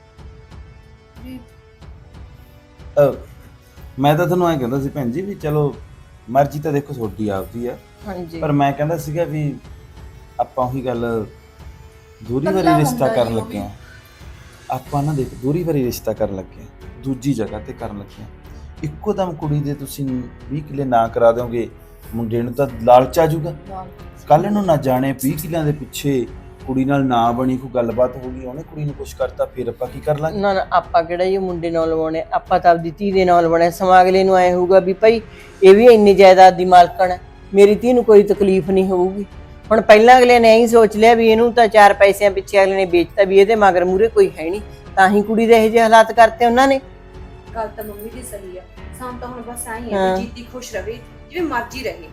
[SPEAKER 1] ਮੈਂ ਤਾਂ ਤੁਹਾਨੂੰ ਐਂ ਕਹਿੰਦਾ ਸੀ ਭੈਣ ਜੀ ਵੀ ਚਲੋ ਮਰਜ਼ੀ ਤਾਂ ਦੇਖੋ ਤੁਹਾਡੀ ਆਪਦੀ ਆ,
[SPEAKER 4] ਹਾਂਜੀ
[SPEAKER 1] ਪਰ ਮੈਂ ਕਹਿੰਦਾ ਸੀਗਾ ਵੀ ਆਪਾਂ ਉਹੀ ਗੱਲ ਦੂਰੀ ਵਾਰੀ ਰਿਸ਼ਤਾ ਕਰਨ ਲੱਗੇ ਆ। ਆਪਾਂ ਨਾ ਦੇਖ ਦੂਰੀ ਵਾਰੀ ਰਿਸ਼ਤਾ ਕਰਨ ਲੱਗੇ ਆ, ਦੂਜੀ ਜਗ੍ਹਾ ਤੇ ਕਰਨ ਲੱਗੇ ਆ। ਇੱਕੋ ਦਮ ਕੁੜੀ ਦੇ ਤੁਸੀਂ 20 ਕਿੱਲੇ ਨਾ ਕਰਾ ਦਿਓਗੇ, ਮੁੰਡੇ ਨੂੰ ਤਾਂ ਲਾਲਚ ਆ ਜਾਊਗਾ। ਕੱਲ ਨੂੰ ਨਾ ਜਾਣੇ 20 ਕਿੱਲਿਆਂ ਦੇ ਪਿੱਛੇ ਕੁੜੀ ਨਾਲ ਨਾ ਬਣੀ ਕੋਈ ਗੱਲਬਾਤ ਹੋ ਗਈ, ਉਹਨੇ ਕੁੜੀ ਨੂੰ ਕੁਛ ਕਰਤਾ, ਫਿਰ ਆਪਾਂ ਕੀ ਕਰ ਲਾਂਗੇ?
[SPEAKER 4] ਨਾ ਨਾ ਆਪਾਂ ਕਿਹੜਾ ਇਹ ਮੁੰਡੇ ਨਾਲ ਲਵਾਉਣੇ, ਆਪਾਂ ਤਾਂ ਆਪਦੀ ਧੀ ਦੇ ਨਾਲ ਲਵਾਉਣੇ। ਸਮਾਂ ਅਗਲੇ ਨੂੰ ਐ ਹੋਊਗਾ ਵੀ ਭਾਈ ਇਹ ਵੀ ਇੰਨੀ ਜਾਇਦਾਦ ਦੀ ਮਾਲਕਣ ਹੈ, ਮੇਰੀ ਧੀ ਨੂੰ ਕੋਈ ਤਕਲੀਫ ਨਹੀਂ ਹੋਊਗੀ। ਹੁਣ ਪਹਿਲਾਂ ਅਗਲੇ ਨੇ ਇਹੀ ਸੋਚ ਲਿਆ ਵੀ ਇਹਨੂੰ ਤਾਂ 4 ਪੈਸਿਆਂ ਪਿੱਛੇ ਅਗਲੇ ਨੇ ਵੇਚਤਾ, ਵੀ ਇਹਦੇ ਮਗਰ ਮੂਰੇ ਕੋਈ ਹੈ ਨਹੀਂ, ਤਾਂ ਹੀ ਕੁੜੀ ਦੇ ਇਹੋ ਜਿਹੇ ਹਾਲਾਤ ਕਰਤੇ ਉਹਨਾਂ ਨੇ।
[SPEAKER 3] ਗੱਲ ਤਾਂ ਮੰਮੀ ਦੀ ਸਹੀ ਆ, ਸਾਨੂੰ ਤਾਂ ਹੁਣ ਬਸ ਆਈ ਹੈ ਕਿ ਜੀਤੀ ਖੁਸ਼ ਰਵੇ, ਜਿਵੇਂ ਮਰਜ਼ੀ ਰਹੇ।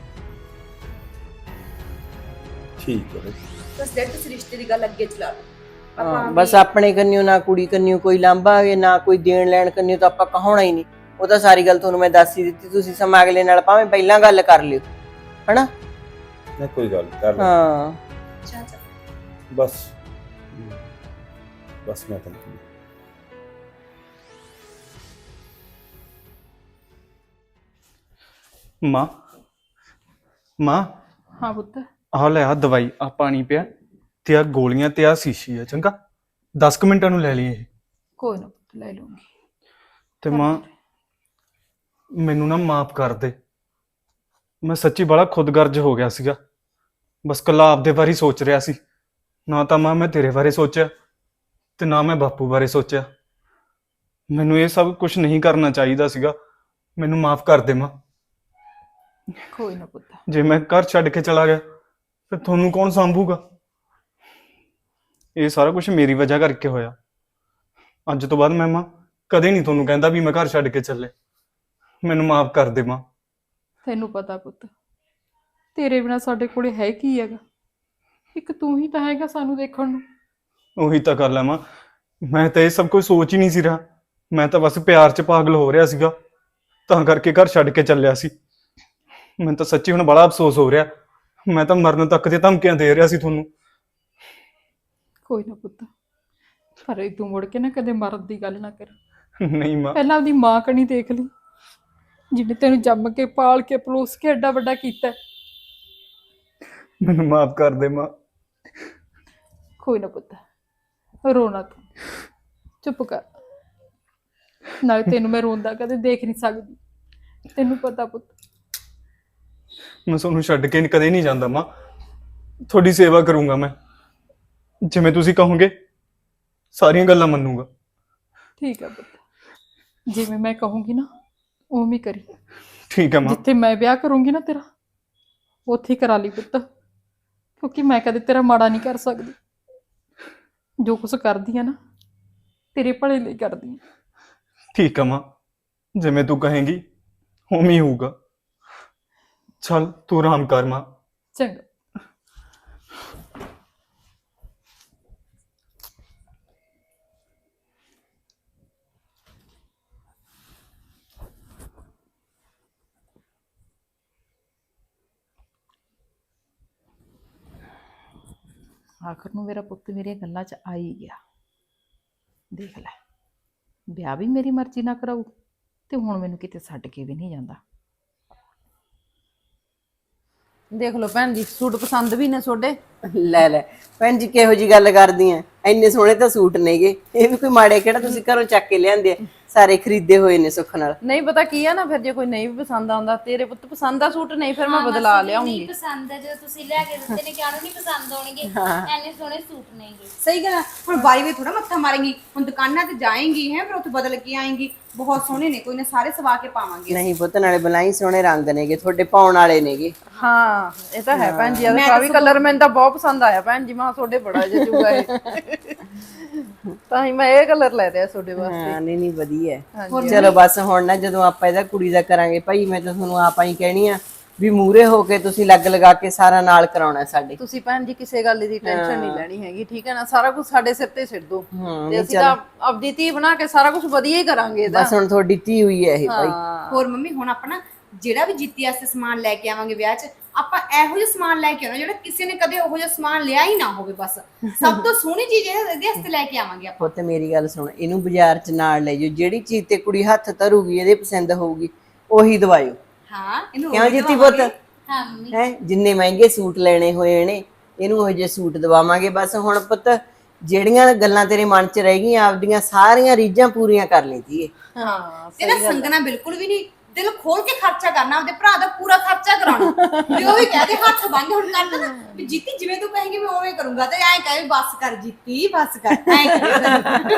[SPEAKER 1] ਠੀਕ ਹੈ
[SPEAKER 3] ਬਸ ਡੈਡ ਤੁਸੀਂ ਰਿਸ਼ਤੇ ਦੀ ਗੱਲ ਅੱਗੇ ਚਲਾ ਲਓ।
[SPEAKER 4] ਹਾਂ, ਬਸ ਆਪਣੇ ਕੰਨਿਓ ਨਾ ਕੁੜੀ ਕੰਨਿਓ ਕੋਈ ਲਾਂਭਾ ਹੋਵੇ, ਨਾ ਕੋਈ ਦੇਣ ਲੈਣ ਕੰਨਿਓ ਤਾਂ ਆਪਾਂ ਕਹਾਉਣਾ ਹੀ ਨਹੀਂ। ਉਹ ਤਾਂ ਸਾਰੀ ਗੱਲ ਤੁਹਾਨੂੰ ਮੈਂ ਦੱਸ ਹੀ ਦਿੱਤੀ, ਤੁਸੀਂ ਸਮਾਂ ਅਗਲੇ ਨਾਲ ਭਾਵੇਂ ਪਹਿਲਾਂ ਗੱਲ ਕਰ ਲਿਓ, ਹਨਾ?
[SPEAKER 1] ਨਾ ਕੋਈ ਗੱਲ ਕਰ ਲੈ।
[SPEAKER 4] ਹਾਂ
[SPEAKER 1] ਬਸ ਬਸ ਮੈਂ ਤਾਂ
[SPEAKER 6] ਮਾਂ
[SPEAKER 5] ਹਾਂ ਪੁੱਤ,
[SPEAKER 6] ਆਹ ਲੈ ਆ ਦਵਾਈ, ਆ ਪਾਣੀ ਪਿਆ ਤੇ ਆ ਗੋਲੀਆਂ ਤੇ ਆ ਸ਼ੀਸ਼ੀ ਆ, ਚੰਗਾ 10 ਕੁ ਮਿੰਟਾਂ ਨੂੰ ਲੈ ਲਈ ਇਹ।
[SPEAKER 5] ਕੋਈ ਨਾ ਪੁੱਤ, ਲੈ ਲੂੰਗੀ।
[SPEAKER 6] ਤੇ ਮਾਂ ਮੈਨੂੰ ਨਾ ਮਾਫ ਕਰ ਦੇ, ਮੈਂ ਸੱਚੀ ਬੜਾ ਖੁਦਗਰਜ਼ ਹੋ ਗਿਆ ਸੀਗਾ, ਬਸ ਕੱਲਾ ਆਪਦੇ ਬਾਰੇ ਹੀ ਸੋਚ ਰਿਹਾ ਸੀ। ਨਾ ਤਾਂ ਮਾਂ ਮੈਂ ਤੇਰੇ ਬਾਰੇ ਸੋਚਿਆ ਤੇ ਨਾ ਮੈਂ ਬਾਪੂ ਬਾਰੇ ਸੋਚਿਆ। ਮੈਨੂੰ ਇਹ ਸਭ ਕੁਝ ਨਹੀਂ ਕਰਨਾ ਚਾਹੀਦਾ ਸੀਗਾ, ਮੈਨੂੰ ਮਾਫ ਕਰ ਦੇ ਮਾਂ।
[SPEAKER 5] ਕੋਈ ਨਾ ਪੁੱਤ,
[SPEAKER 6] ਜੇ ਮੈਂ ਘਰ ਛੱਡ ਕੇ ਚਲਾ ਗਿਆ ਫਿਰ ਤੁਹਾਨੂੰ ਕੌਣ ਸੰਭੂਗਾ? ਇਹ ਸਾਰਾ ਕੁਝ ਮੇਰੀ ਵਜ੍ਹਾ ਕਰਕੇ ਹੋਇਆ। ਅੱਜ ਤੋਂ ਬਾਅਦ ਮੈਂ ਮਾਂ ਕਦੇ ਨਹੀਂ ਤੁਹਾਨੂੰ ਕਹਿੰਦਾ ਵੀ ਮੈਂ ਘਰ ਛੱਡ ਕੇ ਚੱਲੇ। ਮੈਨੂੰ ਮਾਫ ਕਰ ਦੇ ਮਾਂ।
[SPEAKER 7] ਤੈਨੂੰ ਪਤਾ ਪੁੱਤ, ਤੇਰੇ ਬਿਨਾ ਸਾਡੇ ਕੋਲੇ ਹੈ ਕੀ ਹੈਗਾ? ਇੱਕ ਤੂੰ ਹੀ ਤਾਂ ਹੈਗਾ ਸਾਨੂੰ ਦੇਖਣ ਨੂੰ।
[SPEAKER 6] ਉਹੀ ਤਾਂ ਗੱਲ ਹੈ ਮਾਂ, ਮੈਂ ਤਾਂ ਇਹ ਸਭ ਕੁਝ ਸੋਚ ਹੀ ਨਹੀਂ ਸੀ ਰਿਹਾ। ਮੈਂ ਤਾਂ ਬਸ ਪਿਆਰ 'ਚ ਪਾਗਲ ਹੋ ਰਿਹਾ ਸੀਗਾ, ਤਾਂ ਕਰਕੇ ਘਰ ਛੱਡ ਕੇ ਚੱਲਿਆ ਸੀ। ਮੈਨੂੰ ਤਾਂ ਸੱਚੀ ਹੁਣ ਬੜਾ ਅਫਸੋਸ ਹੋ ਰਿਹਾ। ਮੈਂ ਤਾਂ ਮਰਨ ਤੱਕ ਦੀਆਂ ਧਮਕੀਆਂ ਦੇ ਰਿਹਾ ਸੀ ਤੁਹਾਨੂੰ।
[SPEAKER 7] ਕੋਈ ਨਾ ਪੁੱਤ, ਪਰ ਇਹ ਤੂੰ ਮੁੜ ਕੇ ਨਾ ਕਦੇ ਮਰਨ ਦੀ ਗੱਲ ਨਾ ਕਰ।
[SPEAKER 6] ਨਹੀਂ ਮਾਂ,
[SPEAKER 7] ਪਹਿਲਾਂ ਆਪਦੀ ਮਾਂ ਕਣੀ ਦੇਖ ਲਈ, ਜਿਹਨੇ ਤੈਨੂੰ ਜੰਮ ਕੇ ਪਾਲ ਕੇ ਪਲੋਸ ਕੇ ਐਡਾ ਵੱਡਾ ਕੀਤਾ।
[SPEAKER 6] ਮੈਨੂੰ ਮਾਫ ਕਰ ਦੇ ਮਾਂ।
[SPEAKER 7] ਕੋਈ ਨਾ ਪੁੱਤ, ਰੋਣਾ ਤੂੰ, ਚੁੱਪ ਕਰ। ਨਾਲੇ ਤੈਨੂੰ ਮੈਂ ਰੋਂਦਾ ਕਦੇ ਦੇਖ ਨਹੀਂ ਸਕਦੀ, ਤੈਨੂੰ ਪਤਾ ਪੁੱਤ।
[SPEAKER 6] ਮੈਂ ਤੁਹਾਨੂੰ ਛੱਡ ਕੇ ਕਦੇ ਨਹੀਂ ਜਾਂਦਾ ਮਾਂ। ਤੁਹਾਡੀ ਸੇਵਾ ਕਰੂੰਗਾ ਮੈਂ, ਜਿਵੇਂ ਤੁਸੀਂ ਕਹੋਗੇ ਸਾਰੀਆਂ ਗੱਲਾਂ ਮੰਨੂਗਾ।
[SPEAKER 7] ਠੀਕ ਹੈ ਪੁੱਤ, ਜਿਵੇਂ ਮੈਂ ਕਹੂੰਗੀ ਨਾ ਉਵੇਂ ਹੀ ਕਰੀ।
[SPEAKER 6] ਠੀਕ ਹੈ ਮਾਂ।
[SPEAKER 7] ਜਿੱਥੇ ਮੈਂ ਵਿਆਹ ਕਰੂੰਗੀ ਨਾ ਤੇਰਾ, ਉੱਥੇ ਹੀ ਕਰਾ ਲਈ ਪੁੱਤ, ਕਿਉਂਕਿ ਮੈਂ ਕਦੇ ਤੇਰਾ ਮਾੜਾ ਨਹੀਂ ਕਰ ਸਕਦੀ। ਜੋ ਕੁਛ ਕਰਦੀ ਆ ਨਾ ਤੇਰੇ ਭਲੇ ਲਈ ਕਰਦੀ ਆ।
[SPEAKER 6] ਠੀਕ ਹੈ ਮਾਂ, ਜਿਵੇਂ ਤੂੰ ਕਹੇਂਗੀ ਉਵੇਂ ਹੀ ਹੋਊਗਾ। ਚੱਲ ਤੂੰ ਆਰਾਮ ਕਰ ਮਾਂ।
[SPEAKER 7] ਚੰਗਾ। ਆਖਰ ਨੂੰ ਮੇਰਾ ਪੁੱਤ ਮੇਰੀਆਂ ਗੱਲਾਂ 'ਚ ਆ ਹੀ ਗਿਆ। ਦੇਖ ਲੈ, ਵਿਆਹ ਵੀ ਮੇਰੀ ਮਰਜ਼ੀ ਨਾਲ ਕਰਾਊ ਤੇ ਹੁਣ ਮੈਨੂੰ ਕਿਤੇ ਛੱਡ ਕੇ ਵੀ ਨਹੀਂ ਜਾਂਦਾ।
[SPEAKER 5] ਦੇਖ ਲਓ ਭੈਣ ਜੀ, ਸੂਟ ਪਸੰਦ ਵੀ ਨੇ ਤੁਹਾਡੇ।
[SPEAKER 4] ਲੈ ਲੈ ਭੈਣ ਜੀ, ਕਿਹੋ ਜੀ ਗੱਲ ਕਰਦੀ ਐ? ਇੰਨੇ ਸੋਹਣੇ ਤਾਂ ਸੂਟ ਨੇਗੇ, ਇਹ ਵੀ ਕੋਈ ਮਾੜੇ ਕਿਹੜਾ ਤੁਸੀਂ ਘਰੋਂ ਚੱਕ ਕੇ ਲਿਆਂਦੇ ਆ? ਸਾਰੇ ਖਰੀਦੇ ਹੋਏ ਨੇ ਸੁੱਖ ਨਾਲ।
[SPEAKER 5] ਨਹੀਂ ਪਤਾ ਕੀ ਆ ਨਾ, ਫਿਰ ਜੇ ਕੋਈ ਨਹੀਂ ਵੀ ਪਸੰਦ ਆਉਂਦਾ, ਤੇਰੇ ਪੁੱਤ ਪਸੰਦ ਆ ਸੂਟ, ਨਹੀਂ ਫਿਰ ਮੈਂ ਬਦਲਾ ਲਿਆਉਂਗੀ।
[SPEAKER 2] ਨਹੀਂ ਪਸੰਦ ਹੈ ਜਦੋਂ ਤੁਸੀਂ ਲੈ ਕੇ ਦਿੱਤੇ ਨੇ, ਕਿਹਨੂੰ ਨਹੀਂ ਪਸੰਦ ਆਉਣਗੇ? ਐਨੇ ਸੋਹਣੇ ਸੂਟ ਨੇਗੇ।
[SPEAKER 3] ਸਹੀ ਗੱਲ ਆ। ਹੁਣ ਬਾਰੀ ਵੀ ਥੋੜਾ ਮੱਥਾ ਮਾਰੇਂਗੀ, ਹੁਣ ਦੁਕਾਨਾਂ ਤੇ ਜਾਏਂਗੀ ਹੈ, ਫਿਰ ਉੱਥੇ ਬਦਲ ਕੇ ਆਏਂਗੀ। ਬਹੁਤ ਸੋਹਣੇ ਨੇ, ਕੋਈ ਨਾ ਸਾਰੇ ਸਵਾ ਕੇ ਪਾਵਾਂਗੇ।
[SPEAKER 4] ਨਹੀਂ ਪੁੱਤ, ਨਾਲੇ ਬਲਾਈ ਸੋਹਣੇ ਰੰਗ ਨੇਗੇ, ਤੁਹਾਡੇ ਪਾਉਣ ਵਾਲੇ ਨੇਗੇ।
[SPEAKER 5] ਹਾਂ ਇਹ ਤਾਂ ਹੈ ਭੈਣ ਜੀ, ਆ ਵੀ ਕਲਰ ਮੈਨੂੰ ਤਾਂ ਬਹੁਤ ਪਸੰਦ ਆਇਆ ਭੈਣ ਜੀ। ਮੈਂ ਤੁਹਾਡੇ ਬੜਾ ਜਜੂਗਾ ਇਹ, ਤਾਂ ਹੀ ਮੈਂ ਇਹ ਕਲਰ ਲੈ ਲਿਆ ਤੁਹਾਡੇ ਵਾਸਤੇ।
[SPEAKER 4] ਹਾਂ ਨਹੀਂ ਨਹੀਂ ਵਧੀਆ ਹੈ। ਚਲੋ ਬਸ ਹੁਣ ਨਾ ਜਦੋਂ ਆਪਾਂ ਇਹਦਾ ਕੁੜੀ ਦਾ ਕਰਾਂਗੇ ਭਾਈ, ਮੈਂ ਤਾਂ ਤੁਹਾਨੂੰ ਆਪਾਂ ਹੀ ਕਹਿਣੀ ਆ ਵੀ ਮੂਰੇ ਹੋ ਕੇ ਤੁਸੀਂ ਲੱਗ ਲਗਾ ਕੇ ਸਾਰਾ ਨਾਲ ਕਰਾਉਣਾ ਸਾਡੇ।
[SPEAKER 5] ਤੁਸੀਂ ਭੈਣ ਜੀ ਕਿਸੇ ਗੱਲ ਦੀ ਟੈਨਸ਼ਨ ਨਹੀਂ ਲੈਣੀ ਹੈਗੀ, ਠੀਕ ਹੈ ਨਾ? ਸਾਰਾ ਕੁਝ ਸਾਡੇ ਸਿਰ ਤੇ ਸਿੱਟ ਦੋ, ਤੇ ਅਸੀਂ ਤਾਂ ਆਪਦੀ ਧੀ ਬਣਾ ਕੇ ਸਾਰਾ ਕੁਝ ਵਧੀਆ ਹੀ ਕਰਾਂਗੇ ਇਹਦਾ।
[SPEAKER 4] ਬਸ ਹੁਣ ਤੁਹਾਡੀ ਧੀ ਹੋਈ ਹੈ ਇਹ ਭਾਈ।
[SPEAKER 3] ਹੋਰ ਮੰਮੀ, ਹੁਣ ਆਪਣਾ ਜਿਹੜਾ ਵੀ ਜਿੱਤੀ ਵਾਸਤੇ ਸਮਾਨ ਲੈ ਕੇ ਆਵਾਂਗੇ ਵਿਆਹ 'ਚ, ਆਪਾਂ ਇਹੋ ਜਿਹਾ ਸਮਾਨ ਲੈ ਕੇ ਆਉਣਾ ਜਿਹੜਾ ਕਿਸੇ ਨੇ ਕਦੇ ਉਹੋ ਜਿਹਾ ਸਮਾਨ ਲਿਆ ਹੀ ਨਾ ਹੋਵੇ। ਬਸ ਸਭ ਤੋਂ ਸੋਹਣੀ ਚੀਜ਼ ਇਹਦੇ ਵਾਸਤੇ ਲੈ ਕੇ ਆਵਾਂਗੇ ਆਪਾਂ।
[SPEAKER 4] ਪੁੱਤ ਮੇਰੀ ਗੱਲ ਸੁਣ, ਇਹਨੂੰ ਬਾਜ਼ਾਰ 'ਚ ਨਾਲ ਲੈ ਜਾਓ, ਜਿਹੜੀ ਚੀਜ਼ ਤੇ ਕੁੜੀ ਹੱਥ ਧਰੂਗੀ ਇਹਦੇ ਪਸੰਦ ਹੋਊਗੀ ਉਹੀ ਦਵਾਇਓ।
[SPEAKER 3] ਹਾਂ ਇਹਨੂੰ
[SPEAKER 4] ਕਿਉਂ ਜਿੱਤੀ ਪੁੱਤ?
[SPEAKER 2] ਹਾਂ ਮੰਮੀ।
[SPEAKER 4] ਹੈ ਜਿੰਨੇ ਮਹਿੰਗੇ ਸੂਟ ਲੈਣੇ ਹੋਏ ਨੇ ਇਹਨੂੰ ਉਹ ਜਿਹੇ ਸੂਟ ਦਵਾਵਾਂਗੇ। ਬਸ ਹੁਣ ਪੁੱਤ ਜਿਹੜੀਆਂ ਗੱਲਾਂ ਤੇਰੇ ਮਨ 'ਚ ਰਹਿ ਗਈਆਂ ਆਪਦੀਆਂ ਸਾਰੀਆਂ ਰੀਝਾਂ ਪੂਰੀਆਂ ਕਰ ਲਈਏ।
[SPEAKER 5] ਹਾਂ
[SPEAKER 3] ਤੇ ਨਾ ਸੰਗਣਾ ਬਿਲਕੁਲ ਵੀ ਨਹੀਂ, ਦਿਲ ਖੋਲ ਕੇ ਖਰਚਾ ਕਰਨਾ, ਆਪਦੇ ਭਰਾ ਦਾ ਪੂਰਾ ਖਰਚਾ ਕਰਾਉਣਾ। ਵੀ ਉਹ ਵੀ ਕਹਦੇ ਹੱਥ ਬੰਨ ਹੁਣ ਕਰ ਲੈ ਵੀ ਜੀਤੀ ਜਿਵੇਂ ਤੂੰ ਕਹੇਂਗੀ ਮੈਂ ਉਵੇਂ ਕਰੂੰਗਾ, ਤੇ ਐਂ ਕਹੇ ਬਸ ਕਰ ਜੀਤੀ ਬਸ ਕਰ, ਐਂ ਕਹੇ।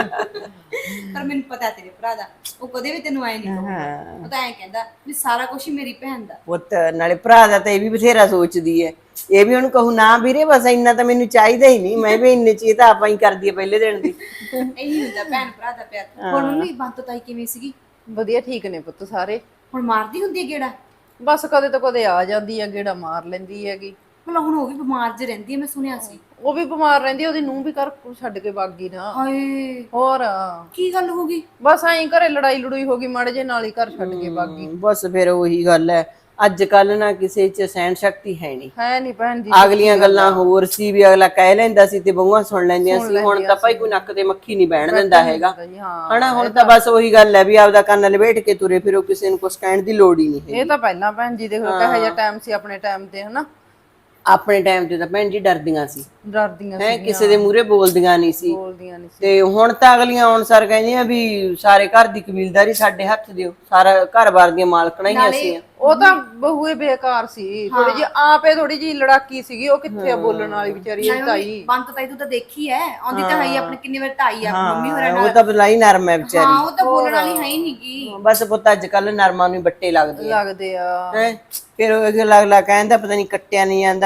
[SPEAKER 3] ਪਰ ਮੈਨੂੰ ਪਤਾ ਤੇਰੇ ਭਰਾ ਦਾ, ਉਹ ਕਦੇ ਵੀ ਤੈਨੂੰ ਐਂ ਨਹੀਂ ਕਹੂਗਾ। ਉਹ ਤਾਂ ਐਂ ਕਹਿੰਦਾ ਵੀ ਸਾਰਾ ਕੁਝ ਹੀ ਮੇਰੀ ਭੈਣ ਦਾ।
[SPEAKER 4] ਪੁੱਤ ਨਾਲੇ ਭਰਾ ਦਾ ਤਾਂ ਇਹ ਵੀ ਬਥੇਰਾ ਸੋਚਦੀ ਹੈ, ਇਹ ਵੀ ਉਹਨੂੰ ਕਹੂ ਨਾ ਵੀਰੇ ਬਸ ਇੰਨਾ ਤਾਂ ਮੈਨੂੰ ਚਾਹੀਦਾ ਹੀ ਨਹੀਂ, ਮੈਂ ਵੀ ਇੰਨੇ ਚ ਇਹ ਤਾਂ ਆਪਾਂ ਹੀ ਕਰਦੀ ਹੈ ਪਹਿਲੇ ਦਿਨ ਦੀ।
[SPEAKER 3] ਇਹੀ ਹੁੰਦਾ ਭੈਣ ਭਰਾ ਦਾ ਪਿਆਰ। ਹੁਣ ਮੰਮੀ ਬੰਤ ਤਾਈ ਕਿਵੇਂ ਸੀਗੀ?
[SPEAKER 5] ਵਧੀਆ ਠੀਕ ਨੇ ਪੁੱਤ ਸਾਰੇ।
[SPEAKER 3] ਹੁਣ ਮਾਰਦੀ ਹੁੰਦੀ ਹੈ ਗੇੜਾ?
[SPEAKER 5] ਬਸ ਕਦੇ ਤਾਂ ਕਦੇ ਆ ਜਾਂਦੀ ਆ, ਗੇੜਾ ਮਾਰ ਲੈਂਦੀ ਹੈਗੀ।
[SPEAKER 3] ਮਤਲਬ ਹੁਣ ਉਹ ਵੀ ਬਿਮਾਰ ਜਿਹੀ ਰਹਿੰਦੀ ਹੈ, ਮੈਂ ਸੁਣਿਆ ਸੀ।
[SPEAKER 5] ਉਹ ਵੀ ਬਿਮਾਰ ਰਹਿੰਦੀ, ਉਹਦੀ ਨੂੰਹ ਵੀ ਘਰ ਛੱਡ ਕੇ ਭੱਗ ਗਈ ਨਾ।
[SPEAKER 3] ਹਾਏ
[SPEAKER 5] ਹੋਰ
[SPEAKER 3] ਕੀ ਗੱਲ ਹੋ ਗਈ?
[SPEAKER 5] ਬਸ ਐਂ ਘਰੇ ਲੜਾਈ ਲੜੂਈ ਹੋ ਗਈ ਮਾੜੇ ਜੇ, ਨਾਲ ਹੀ ਘਰ ਛੱਡ ਕੇ ਭੱਗ ਗਈ।
[SPEAKER 4] ਬਸ ਫਿਰ ਉਹੀ ਗੱਲ ਹੈ, ਅੱਜ ਕੱਲ ਨਾ ਕਿਸੇ ਚ ਸਹਿਣ ਸ਼ਕਤੀ ਹੈ ਨਹੀਂ।
[SPEAKER 5] ਹੈ ਨਹੀਂ ਭੈਣ ਜੀ,
[SPEAKER 4] ਅਗਲੀਆਂ ਗੱਲਾਂ ਹੋਰ ਸੀ ਵੀ ਅਗਲਾ ਕਹਿ ਲੈਂਦਾ ਸੀ ਤੇ ਬਹੂਆਂ ਸੁਣ ਲੈਂਦੀਆਂ ਸੀ। ਹੁਣ ਤਾਂ ਭਾਈ ਕੋਈ ਨੱਕ ਤੇ ਮੱਖੀ ਨਹੀਂ ਬਹਿਣ ਦਿੰਦਾ ਹੈਗਾ ਹਨਾ। ਹੁਣ ਤਾਂ ਬਸ ਉਹੀ ਗੱਲ ਹੈ ਵੀ ਆਪਦਾ ਕੰਨ ਲਪੇਟ ਕੇ ਤੁਰੇ ਫਿਰੋ, ਕਿਸੇ ਨੂੰ ਕੁਛ ਕਹਿਣ ਦੀ ਲੋੜ ਹੀ ਨਹੀਂ।
[SPEAKER 5] ਇਹ ਤਾਂ ਪਹਿਲਾਂ ਭੈਣ ਜੀ ਦੇਖੋ ਕਿਹੋ ਜਿਹਾ ਟਾਈਮ ਸੀ ਆਪਣੇ ਟਾਈਮ ਤੇ, ਹਨਾ?
[SPEAKER 4] ਆਪਣੇ ਟਾਈਮ ਤੇ ਤਾਂ ਭੈਣ ਜੀ ਡਰਦੀਆਂ ਸੀ,
[SPEAKER 5] ਡਰਦੀਆਂ
[SPEAKER 4] ਹੈ ਕਿਸੇ ਦੇ ਮੂਹਰੇ ਬੋਲਦੀਆਂ ਨਹੀਂ ਸੀ।
[SPEAKER 5] ਬੋਲਦੀਆਂ ਨਹੀਂ ਸੀ।
[SPEAKER 4] ਤੇ ਹੁਣ ਤਾਂ ਅਗਲੀਆਂ ਆਉਣ ਸਰ ਕਹਿੰਦੀਆਂ ਵੀ ਸਾਰੇ ਘਰ ਦੀ ਕਬੀਲਦਾਰੀ ਸਾਡੇ ਹੱਥ ਦਿਓ, ਸਾਰਾ ਘਰ-ਬਾਰ ਦੀਆਂ ਮਾਲਕਣਾਂ ਹੀ ਅਸੀਂ ਆ।
[SPEAKER 5] ਉਹ ਤਾਂ ਬਹੂਏ ਬੇਕਾਰ ਸੀ, ਥੋੜੀ ਜਿਹੀ ਆਪੇ ਥੋੜੀ ਜਿਹੀ ਲੜਾਕੀ ਸੀਗੀ। ਉਹ ਕਿੱਥੇ ਆ ਬੋਲਣ ਵਾਲੀ ਵਿਚਾਰੀ ਤਾਈ?
[SPEAKER 3] ਬੰਤ ਤਾਈ ਤੂੰ ਤਾਂ ਦੇਖੀ ਐ, ਆਉਂਦੀ ਤਾਂ ਹੈ ਹੀ ਆਪਣੇ ਕਿੰਨੇ ਵਾਰ ਤਾਈ ਆ ਮੰਮੀ ਹੋਰਾਂ
[SPEAKER 4] ਉਹ
[SPEAKER 3] ਨਾਲ।
[SPEAKER 4] ਤਾਂ ਬਲਾਈ ਨਰਮ ਹੈ ਵਿਚਾਰੀ।
[SPEAKER 3] ਹਾਂ ਉਹ ਤਾਂ ਬੋਲਣ ਵਾਲੀ ਹੈ ਹੀ ਨਹੀਂਗੀ।
[SPEAKER 4] ਬਸ ਪੁੱਤ ਅੱਜ ਕੱਲ ਨਰਮਾਂ ਨੂੰ ਬੱਟੇ ਲੱਗਦੇ ਆ
[SPEAKER 5] ਲੱਗਦੇ ਆ।
[SPEAKER 4] ਹੈ। ਫਿਰ ਉਹ ਅਗਲਾ ਕਹਿੰਦਾ ਪਤਾ ਨਹੀਂ ਕੱਟਿਆ ਨਹੀਂ ਜਾਂਦਾ।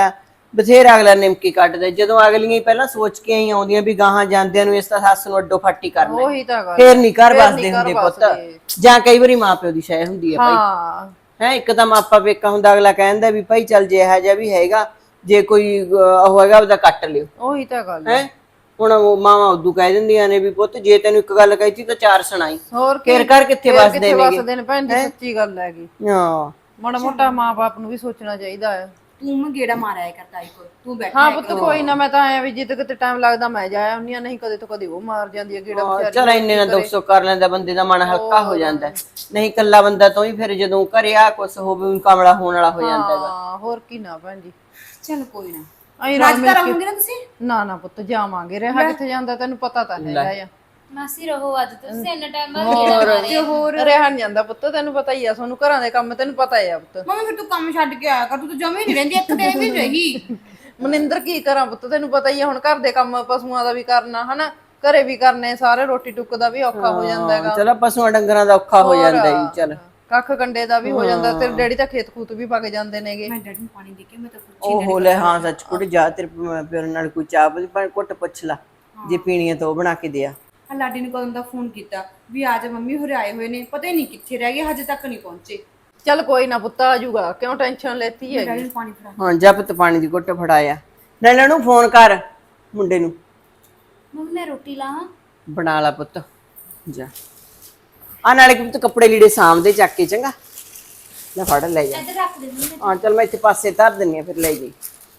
[SPEAKER 4] ਬਥੇਰਾ ਅਗਲਾ ਨਿਮਕੀ ਕੱਟਦਾ, ਜਦੋਂ ਅਗਲੀਆਂ ਹੀ ਪਹਿਲਾਂ ਸੋਚ ਕੇ ਹੀ ਆਉਂਦੀਆਂ ਵੀ ਗਾਹਾਂ ਜਾਂਦਿਆਂ ਨੂੰ ਇਸ ਤਾਂ ਸੱਸ ਨੂੰ ਅੱਡੋ ਫਾਟੀ ਕਰਨਾ ਹੈ।
[SPEAKER 5] ਉਹੀ ਤਾਂ ਗੱਲ
[SPEAKER 4] ਫੇਰ ਨਹੀਂ ਘਰ
[SPEAKER 5] ਫੇਰ ਨੀ
[SPEAKER 4] ਵਸਦੇ
[SPEAKER 5] ਘਰ
[SPEAKER 4] ਹੁੰਦੇ ਪੁੱਤ,
[SPEAKER 5] ਵਸਦੇ।
[SPEAKER 4] ਜਾਂ ਕਈ ਵਾਰੀ ਮਾਂ ਪਿਓ ਦੀ ਸ਼ੈ ਹੁੰਦੀ ਹੈ ਭਾਈ
[SPEAKER 5] ਹਾਂ
[SPEAKER 4] ਹੈ। ਇੱਕ ਤਾਂ ਮਾਪਾ ਪੇਕਾ ਹੁੰਦਾ, ਅਗਲਾ ਕਹਿੰਦਾ ਵੀ ਭਾਈ ਚੱਲ ਜੇ ਇਹੋ ਜਿਹਾ ਵੀ ਹੈਗਾ, ਜੇ ਕੋਈ ਉਹ ਹੈਗਾ ਉਹਦਾ ਕੱਟ ਲਿਓ
[SPEAKER 5] ਉਹੀ ਤਾਂ ਗੱਲ
[SPEAKER 4] ਹੈ। ਹੁਣ ਉਹ ਮਾਵਾਂ ਉਦੋਂ ਕਹਿ ਦਿੰਦੀਆਂ ਨੇ ਵੀ ਪੁੱਤ ਜੇ ਤੈਨੂੰ ਇੱਕ ਗੱਲ ਕਹੀ ਤਾਂ ਚਾਰ ਸੁਣਾਈ,
[SPEAKER 5] ਹੋਰ
[SPEAKER 4] ਫੇਰ ਘਰ ਕਿੱਥੇ
[SPEAKER 5] ਫੇਰ
[SPEAKER 4] ਵਸਦੇ ਨੇਗੇ।
[SPEAKER 5] ਨੇ ਭੈਣ ਜੀ, ਸੱਚੀ ਗੱਲ ਹੈਗੀ।
[SPEAKER 4] ਹਾਂ
[SPEAKER 5] ਮਾੜਾ ਮੋਟਾ ਮਾਂ-ਬਾਪ ਨੂੰ ਵੀ ਸੋਚਣਾ ਚਾਹੀਦਾ ਹੈ।
[SPEAKER 3] ਤੂੰ ਗੇੜਾ ਮਾਰਿਆ ਕਰ ਤਾਈ ਕੋਲ, ਤੂੰ ਬੈਠਾ
[SPEAKER 5] ਹਾਂ ਪੁੱਤ ਕੋਈ ਨਾ, ਮੈਂ ਤਾਂ ਆਇਆ ਵੀ ਜਿੱਦ ਕਿਤੇ ਟਾਈਮ ਲੱਗਦਾ ਮੈਂ ਜਾਇਆ ਹੁੰਨੀ ਆ, ਨਹੀਂ ਕਦੇ ਤੋਂ ਕਦੇ ਉਹ ਮਾਰ ਜਾਂਦੀ ਹੈ ਗੇੜਾ ਵਿਚਾਰੀ।
[SPEAKER 4] ਚਲ ਇੰਨੇ ਨਾਲ ਦੁੱਖ ਸੁੱਖ ਕਰ ਲੈਂਦਾ ਬੰਦੇ ਦਾ ਮਨ ਹਲਕਾ ਹੋ ਜਾਂਦਾ ਹੈ। ਨਹੀਂ ਇਕੱਲਾ ਬੰਦਾ ਤੋਂ ਹੀ ਫਿਰ ਜਦੋਂ ਘਰੇ ਆ ਕੁਛ ਹੋਵੇ ਕਮਲਾ ਹੋਣ ਵਾਲਾ ਹੋ ਜਾਂਦਾ ਹੈਗਾ।
[SPEAKER 5] ਹਾਂ ਹੋਰ ਕੀ ਨਾ ਭੈਣ ਜੀ।
[SPEAKER 3] ਚੱਲ ਕੋਈ ਨਾ,
[SPEAKER 5] ਅਸੀਂ
[SPEAKER 3] ਰਾਜ
[SPEAKER 5] ਰਲ ਮਿਲ
[SPEAKER 3] ਤਾਂ
[SPEAKER 5] ਕੇ
[SPEAKER 3] ਰਹੋਗੇ ਨਾ ਤੁਸੀਂ?
[SPEAKER 5] ਨਾ ਪੁੱਤ ਜਾਵਾਂਗੇ, ਰਿਹਾ ਕਿੱਥੇ ਜਾਂਦਾ ਤੈਨੂੰ ਪਤਾ ਤਾਂ ਹੈਗਾ ਆ।
[SPEAKER 2] ਮਾਸੀ ਰਹੋ ਅੱਜ ਤੁਸੀਂ ਇੰਨਾ ਟਾਈਮ ਬਾਅਦ ਗੇੜਾ ਮਾਰਿਆ।
[SPEAKER 3] ਹੋਰ
[SPEAKER 5] ਰਿਹਾ ਨੀ ਜਾਂਦਾ ਪੁੱਤ, ਤੈਨੂੰ ਪਤਾ ਹੀ ਆ, ਤੁਹਾਨੂੰ ਘਰਾਂ ਦੇ ਕੰਮ ਤੈਨੂੰ ਪਤਾ ਹੀ ਆ ਪੁੱਤ।
[SPEAKER 3] ਮੰਮੀ ਫਿਰ ਤੂੰ ਕੰਮ ਛੱਡ ਕੇ ਆਇਆ ਕਰ, ਤੂੰ ਤਾਂ ਜਮੇ ਨਹੀਂ ਰਹਿੰਦੀ, ਇੱਕ ਦਿਨ ਵੀ ਨੀ ਰਹੀ।
[SPEAKER 5] ਮਨਿੰਦਰ ਕੀ ਕਰਾਂ ਪੁੱਤ, ਤੈਨੂੰ ਪਤਾ ਹੀ ਆ, ਹੁਣ ਘਰ ਦੇ ਕੰਮ ਪਸ਼ੂਆਂ ਦਾ ਵੀ ਕਰਨਾ ਹਨਾ, ਘਰੇ ਵੀ ਕਰਨੇ ਸਾਰੇ, ਰੋਟੀ ਟੁੱਕ ਦਾ ਵੀ ਔਖਾ ਹੋ ਜਾਂਦਾ ਹੈਗਾ।
[SPEAKER 4] ਚਲੋ ਪਸ਼ੂਆਂ ਡੰਗਰਾਂ ਦਾ ਔਖਾ ਹੋ ਜਾਂਦਾ ਹੀ। ਚੱਲ
[SPEAKER 5] ਕੱਖ ਕੰਡੇ ਦਾ ਵੀ ਹੋ ਜਾਂਦਾ, ਤੇ ਡੈਡੀ ਤਾਂ ਖੇਤ ਖੂਤ ਵੀ ਪੱਕ ਜਾਂਦੇ ਨੇਗੇ।
[SPEAKER 3] ਮੈਂ ਡੈਡੀ ਨੂੰ ਪਾਣੀ ਦੇ ਕੇ ਮੈਂ ਤਾਂ ਪੁੱਛੀ
[SPEAKER 4] ਉਹ ਹੋ ਲੈ। ਹਾਂ ਸੱਚ ਕੁੜ ਜਾ, ਤੇਰੇ ਪਿਓ ਨਾਲ ਕੋਈ ਚਾਹ ਪਰ ਘੁੱਟ ਪੁੱਛ ਲਾ, ਜੇ ਪੀਣੀ ਹੈ ਤਾਂ ਉਹ ਬਣਾ ਕੇ ਦੇ ਆ।
[SPEAKER 3] ਆ ਲਾਡੀ ਨੇ ਕਦੋਂ ਦਾ ਫੋਨ ਕੀਤਾ ਵੀ ਆ ਜਾ ਮੰਮੀ ਹੋਰੇ ਆਏ ਹੋਏ ਨੇ, ਪਤਾ ਹੀ ਨਹੀਂ ਕਿੱਥੇ ਰਹਿ ਗਏ, ਹਜੇ ਤੱਕ ਨਹੀਂ ਪਹੁੰਚੇ।
[SPEAKER 5] ਚੱਲ ਕੋਈ ਨਾ ਪੁੱਤ ਆ ਜਾਊਗਾ, ਕਿਉਂ ਟੈਨਸ਼ਨ ਲੈਤੀ ਹੈ।
[SPEAKER 3] ਡੈਡੀ ਨੂੰ ਪਾਣੀ ਫੜਾ।
[SPEAKER 4] ਹਾਂ ਜਾ ਪੁੱਤ ਪਾਣੀ ਦੀ ਘੁੱਟ ਫੜਾਇਆ। ਨਾਲੇ ਨੂੰ ਫੋਨ ਕਰ ਮੁੰਡੇ ਨੂੰ,
[SPEAKER 2] ਮੰਮੀ ਮੈਂ ਰੋਟੀ ਲਾਵਾਂ?
[SPEAKER 4] ਬਣਾ ਲਾ ਪੁੱਤ ਜਾ। ਆ ਨਾਲੇ ਕਿ ਪੁੱਤ ਕੱਪੜੇ ਲੀੜੇ ਸਾਂਭਦੇ ਚੱਕ ਕੇ, ਚੰਗਾ ਲੈ ਫੜ ਲੈ ਜਾ।
[SPEAKER 2] ਇੱਧਰ ਰੱਖ ਦੇ ਮੰਮੀ।
[SPEAKER 4] ਹਾਂ ਚੱਲ ਮੈਂ ਇੱਥੇ ਪਾਸੇ ਧਰ ਦਿੰਨੀ ਆ, ਫਿਰ ਲੈ ਜਾਈ।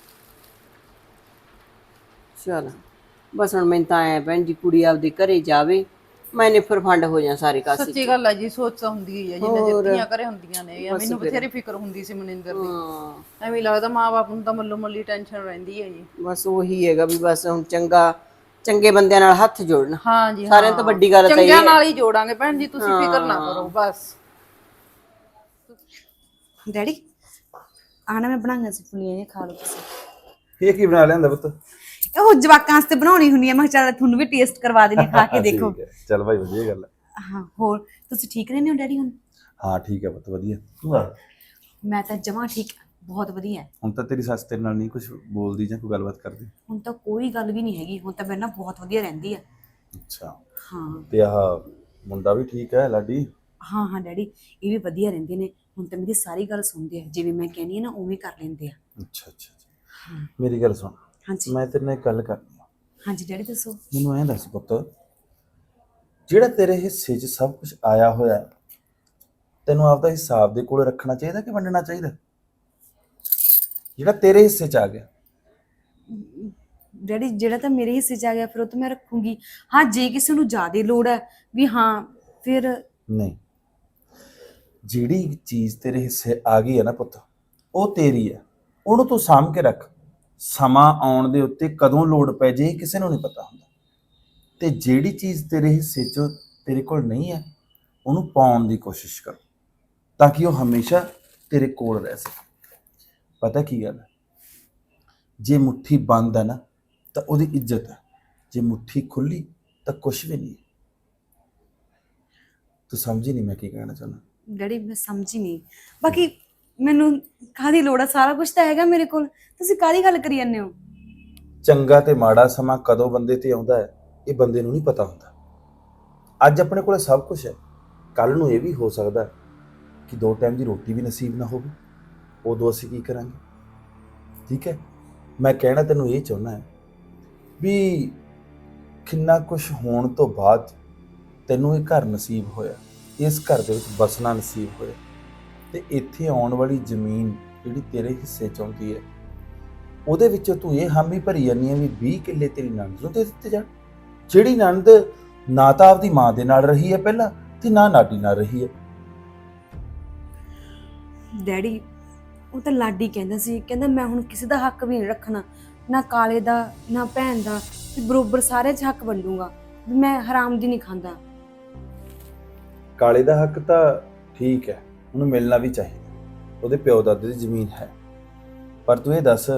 [SPEAKER 4] ਚਲ ਬਸ ਹੁਣ ਮੈਨੂੰ ਤਾਂ ਆਇਆ ਭੈਣ ਜੀ, ਕੁੜੀ ਆਪਦੇ ਘਰੇ ਜਾਵੇ, ਮੈਨੇ ਫਿਰ ਫੰਡ ਹੋ ਜਾ ਸਾਰੇ ਕਾਸੇ।
[SPEAKER 5] ਸੱਚੀ ਗੱਲ ਹੈ ਜੀ, ਸੋਚ ਤਾਂ ਹੁੰਦੀ ਹੀ ਹੈ ਜਿੰਨੇ ਜਿੱਤੀਆਂ ਘਰੇ ਹੁੰਦੀਆਂ ਨੇ। ਮੈਨੂੰ ਬਥੇਰੀ ਫਿਕਰ ਹੁੰਦੀ ਸੀ ਮਨਿੰਦਰ ਦੀ,
[SPEAKER 4] ਹਾਂ
[SPEAKER 5] ਐਵੇਂ ਲੱਗਦਾ ਮਾਂ-ਬਾਪ ਨੂੰ ਤਾਂ ਮੱਲੋ ਮੱਲੀ ਟੈਨਸ਼ਨ ਰਹਿੰਦੀ ਹੈ ਜੀ।
[SPEAKER 4] ਬਸ ਉਹੀ ਹੈਗਾ ਵੀ ਬਸ ਹੁਣ ਚੰਗੇ ਬੰਦਿਆਂ ਨਾਲ ਹੱਥ ਜੋੜਨਾ।
[SPEAKER 5] ਹਾਂ ਜੀ
[SPEAKER 4] ਸਾਰਿਆਂ ਤੋਂ ਵੱਡੀ ਗੱਲ ਤਾਂ ਇਹ
[SPEAKER 5] ਚੰਗਿਆਂ
[SPEAKER 4] ਹੈ।
[SPEAKER 5] ਨਾਲ ਹੀ ਜੋੜਾਂਗੇ ਭੈਣ ਜੀ, ਤੁਸੀਂ ਫਿਕਰ ਨਾ ਕਰੋ ਬਸ।
[SPEAKER 3] ਡੈਡੀ ਆਣਾ ਮੈਂ ਬਣਾਈਆਂ ਸੀ ਫੁੱਲੀਆਂ ਜਿਹੀਆਂ, ਖਾ ਲਓ ਤੁਸੀਂ।
[SPEAKER 1] ਇਹ ਕੀ ਬਣਾ ਲਿਆਂਦਾ ਪੁੱਤ?
[SPEAKER 3] ਉਹ ਜਵਾਕਾਂ ਵਾਸਤੇ ਬਣਾਉਣੀ ਹੁੰਦੀ ਹੈ, ਮੈਂ ਕਿਹਾ ਚੱਲ ਤੁਹਾਨੂੰ ਵੀ ਟੇਸਟ ਕਰਵਾ ਦੇਣੀ, ਖਾ ਕੇ ਦੇਖੋ।
[SPEAKER 1] ਠੀਕ ਹੈ, ਚੱਲ ਭਾਈ ਵਧੀਆ ਗੱਲ ਹੈ।
[SPEAKER 3] ਹਾਂ ਹੋਰ ਤੁਸੀਂ ਠੀਕ ਰਹਿੰਦੇ ਹੋ ਡੈਡੀ? ਹੁਣ
[SPEAKER 1] ਹਾਂ ਠੀਕ ਹੈ ਪੁੱਤ, ਵਧੀਆ। ਤੂੰ ਆ
[SPEAKER 3] ਮੈਂ ਤਾਂ ਜਮਾਂ ਠੀਕ, ਬਹੁਤ ਵਧੀਆ।
[SPEAKER 1] ਹੁਣ ਤਾਂ ਤੇਰੀ ਸੱਸ ਤੇਰੇ ਨਾਲ ਨਹੀਂ ਕੁਝ ਬੋਲਦੀ ਜਾਂ ਕੋਈ ਗੱਲਬਾਤ ਕਰਦੀ?
[SPEAKER 3] ਹੁਣ ਤਾਂ ਕੋਈ ਗੱਲ ਵੀ ਨਹੀਂ ਹੈਗੀ, ਹੁਣ ਤਾਂ ਮੇਰੇ ਨਾਲ ਬਹੁਤ ਵਧੀਆ ਰਹਿੰਦੀ ਆ।
[SPEAKER 1] ਅੱਛਾ,
[SPEAKER 3] ਹਾਂ
[SPEAKER 1] ਤੇ ਆਹ ਮੁੰਡਾ ਵੀ ਠੀਕ ਹੈ ਲਾਡੀ?
[SPEAKER 3] ਹਾਂ ਹਾਂ ਡੈਡੀ ਇਹ ਵੀ ਵਧੀਆ ਰਹਿੰਦੇ ਨੇ, ਹੁਣ ਤਾਂ ਮੇਰੀ ਸਾਰੀ ਗੱਲ ਸੁਣਦੇ ਆ, ਜਿਵੇਂ ਮੈਂ ਕਹਿੰਦੀ ਆ ਨਾ ਉਵੇਂ ਕਰ ਲੈਂਦੇ ਆ।
[SPEAKER 1] ਅੱਛਾ ਅੱਛਾ ਅੱਛਾ। ਮੇਰੀ ਗੱਲ ਸੁਣ,
[SPEAKER 3] ਹਾਂਜੀ
[SPEAKER 1] ਮੈਂ ਤੇਰੇ ਨਾਲ ਇੱਕ ਗੱਲ ਕਰਨੀ ਆ।
[SPEAKER 3] ਹਾਂਜੀ ਡੈਡੀ ਦੱਸੋ।
[SPEAKER 1] ਮੈਨੂੰ ਐਂ ਦੱਸ ਪੁੱਤ, ਜਿਹੜਾ ਤੇਰੇ ਹਿੱਸੇ 'ਚ ਸਭ ਕੁਝ ਆਇਆ ਹੋਇਆ ਹੈ, ਤੈਨੂੰ ਆਪਦਾ ਹਿਸਾਬ ਦੇ ਕੋਲ ਰੱਖਣਾ ਚਾਹੀਦਾ ਕਿ ਵੰਡਣਾ ਚਾਹੀਦਾ? ਜਿਹੜਾ ਤੇਰੇ ਹਿੱਸੇ 'ਚ ਆ ਗਿਆ।
[SPEAKER 3] ਡੈਡੀ ਜਿਹੜਾ ਤਾਂ ਮੇਰੇ ਹਿੱਸੇ 'ਚ ਆ ਗਿਆ ਫਿਰ ਉਹ ਤਾਂ ਮੈਂ ਰੱਖੂੰਗੀ। ਹਾਂ ਜੇ ਕਿਸੇ ਨੂੰ ਜ਼ਿਆਦਾ ਲੋੜ ਹੈ ਵੀ ਹਾਂ ਫਿਰ
[SPEAKER 1] ਨਹੀਂ, ਜਿਹੜੀ ਚੀਜ਼ ਤੇਰੇ ਹਿੱਸੇ ਆ ਗਈ ਹੈ ਨਾ ਪੁੱਤ, ਉਹ ਤੇਰੀ ਹੈ, ਉਹਨੂੰ ਤੂੰ ਸਾਂਭ ਕੇ ਰੱਖ। ਸਮਾਂ ਆਉਣ ਦੇ ਉੱਤੇ ਕਦੋਂ ਲੋੜ ਪੈ ਜੇ ਕਿਸੇ ਨੂੰ ਨਹੀਂ ਪਤਾ ਹੁੰਦਾ। ਤੇ ਜਿਹੜੀ ਚੀਜ਼ ਤੇਰੇ ਹਿੱਸੇ 'ਚ ਤੇਰੇ ਕੋਲ ਨਹੀਂ ਹੈ, ਉਹਨੂੰ ਪਾਉਣ ਦੀ ਕੋਸ਼ਿਸ਼ ਕਰ, ਤਾਂ ਕਿ ਉਹ ਹਮੇਸ਼ਾ ਤੇਰੇ ਕੋਲ ਰਹਿ ਸਕੇ। ਪਤਾ ਕੀ ਗੱਲ ਹੈ, ਜੇ ਮੁੱਠੀ ਬੰਦ ਹੈ ਨਾ ਤਾਂ ਉਹਦੀ ਇੱਜ਼ਤ ਹੈ, ਜੇ ਮੁੱਠੀ ਖੁੱਲੀ ਤਾਂ ਕੁਛ ਵੀ ਨਹੀਂ। ਤੂੰ ਸਮਝੀ ਨਹੀਂ ਮੈਂ ਕੀ ਕਹਿਣਾ ਚਾਹੁੰਦਾ?
[SPEAKER 3] ਡੈਡੀ ਮੈਂ ਸਮਝੀ ਨਹੀਂ, ਬਾਕੀ ਮੈਨੂੰ ਕਾਹਦੀ ਲੋੜ ਆ, ਸਾਰਾ ਕੁਝ ਤਾਂ ਹੈਗਾ ਮੇਰੇ ਕੋਲ, ਤੁਸੀਂ ਕਾਹਦੀ ਗੱਲ ਕਰੀ ਜਾਂਦੇ ਹੋ?
[SPEAKER 1] ਚੰਗਾ ਤੇ ਮਾੜਾ ਸਮਾਂ ਕਦੋਂ ਬੰਦੇ ਤੇ ਆਉਂਦਾ ਹੈ, ਇਹ ਬੰਦੇ ਨੂੰ ਨਹੀਂ ਪਤਾ ਹੁੰਦਾ। ਅੱਜ ਆਪਣੇ ਕੋਲ ਸਭ ਕੁਝ ਹੈ, ਕੱਲ ਨੂੰ ਇਹ ਵੀ ਹੋ ਸਕਦਾ ਕਿ 2 ਟਾਈਮ ਦੀ ਰੋਟੀ ਵੀ ਨਸੀਬ ਨਾ ਹੋਵੇ, ਉਦੋਂ ਅਸੀਂ ਕੀ ਕਰਾਂਗੇ? ਠੀਕ ਹੈ, ਮੈਂ ਕਹਿਣਾ ਤੈਨੂੰ ਇਹ ਚਾਹੁੰਦਾ ਹੈ ਵੀ ਕਿੰਨਾ ਕੁਝ ਹੋਣ ਤੋਂ ਬਾਅਦ ਤੈਨੂੰ ਇਹ ਘਰ ਨਸੀਬ ਹੋਇਆ, ਇਸ ਘਰ ਦੇ ਵਿੱਚ ਬਸਣਾ ਨਸੀਬ ਹੋਇਆ, ਤੇ ਇੱਥੇ ਆਉਣ ਵਾਲੀ ਜ਼ਮੀਨ ਜਿਹੜੀ ਤੇਰੇ ਹਿੱਸੇ 'ਚ ਆਉਂਦੀ ਹੈ, ਉਹਦੇ ਵਿੱਚੋਂ ਤੂੰ ਇਹ ਹਾਮੀ ਭਰੀ ਜਾਂਦੀ ਹੈ ਵੀ 20 ਕਿੱਲੇ ਤੇਰੀ ਨਣਦ ਨੂੰ ਦੇ ਦਿੱਤੇ ਜਾਣ, ਜਿਹੜੀ ਨਣਦ ਨਾ ਤਾਂ ਆਪਦੀ ਮਾਂ ਦੇ ਨਾਲ ਰਹੀ ਹੈ ਪਹਿਲਾਂ, ਤੇ ਨਾ ਲਾਡੀ ਨਾਲ ਰਹੀ ਹੈ।
[SPEAKER 3] ਡੈਡੀ ਉਹ ਤਾਂ ਲਾਡੀ ਕਹਿੰਦਾ ਸੀ, ਕਹਿੰਦਾ ਮੈਂ ਹੁਣ ਕਿਸੇ ਦਾ ਹੱਕ ਵੀ ਨਹੀਂ ਰੱਖਣਾ, ਨਾ ਕਾਲੇ ਦਾ ਨਾ ਭੈਣ ਦਾ, ਤੇ ਬਰੋਬਰ ਸਾਰਿਆਂ 'ਚ ਹੱਕ ਵੰਡੂਗਾ, ਵੀ ਮੈਂ ਹਰਾਮ ਦੀ ਨਹੀਂ ਖਾਂਦਾ।
[SPEAKER 1] ਕਾਲੇ ਦਾ ਹੱਕ ਤਾਂ ਠੀਕ ਹੈ, ਉਹਨੂੰ ਮਿਲਣਾ ਵੀ ਚਾਹੀਦਾ, ਉਹਦੇ ਪਿਓ ਦਾਦੇ ਦੀ ਜ਼ਮੀਨ ਹੈ, ਪਰ ਤੂੰ ਇਹ ਦੱਸ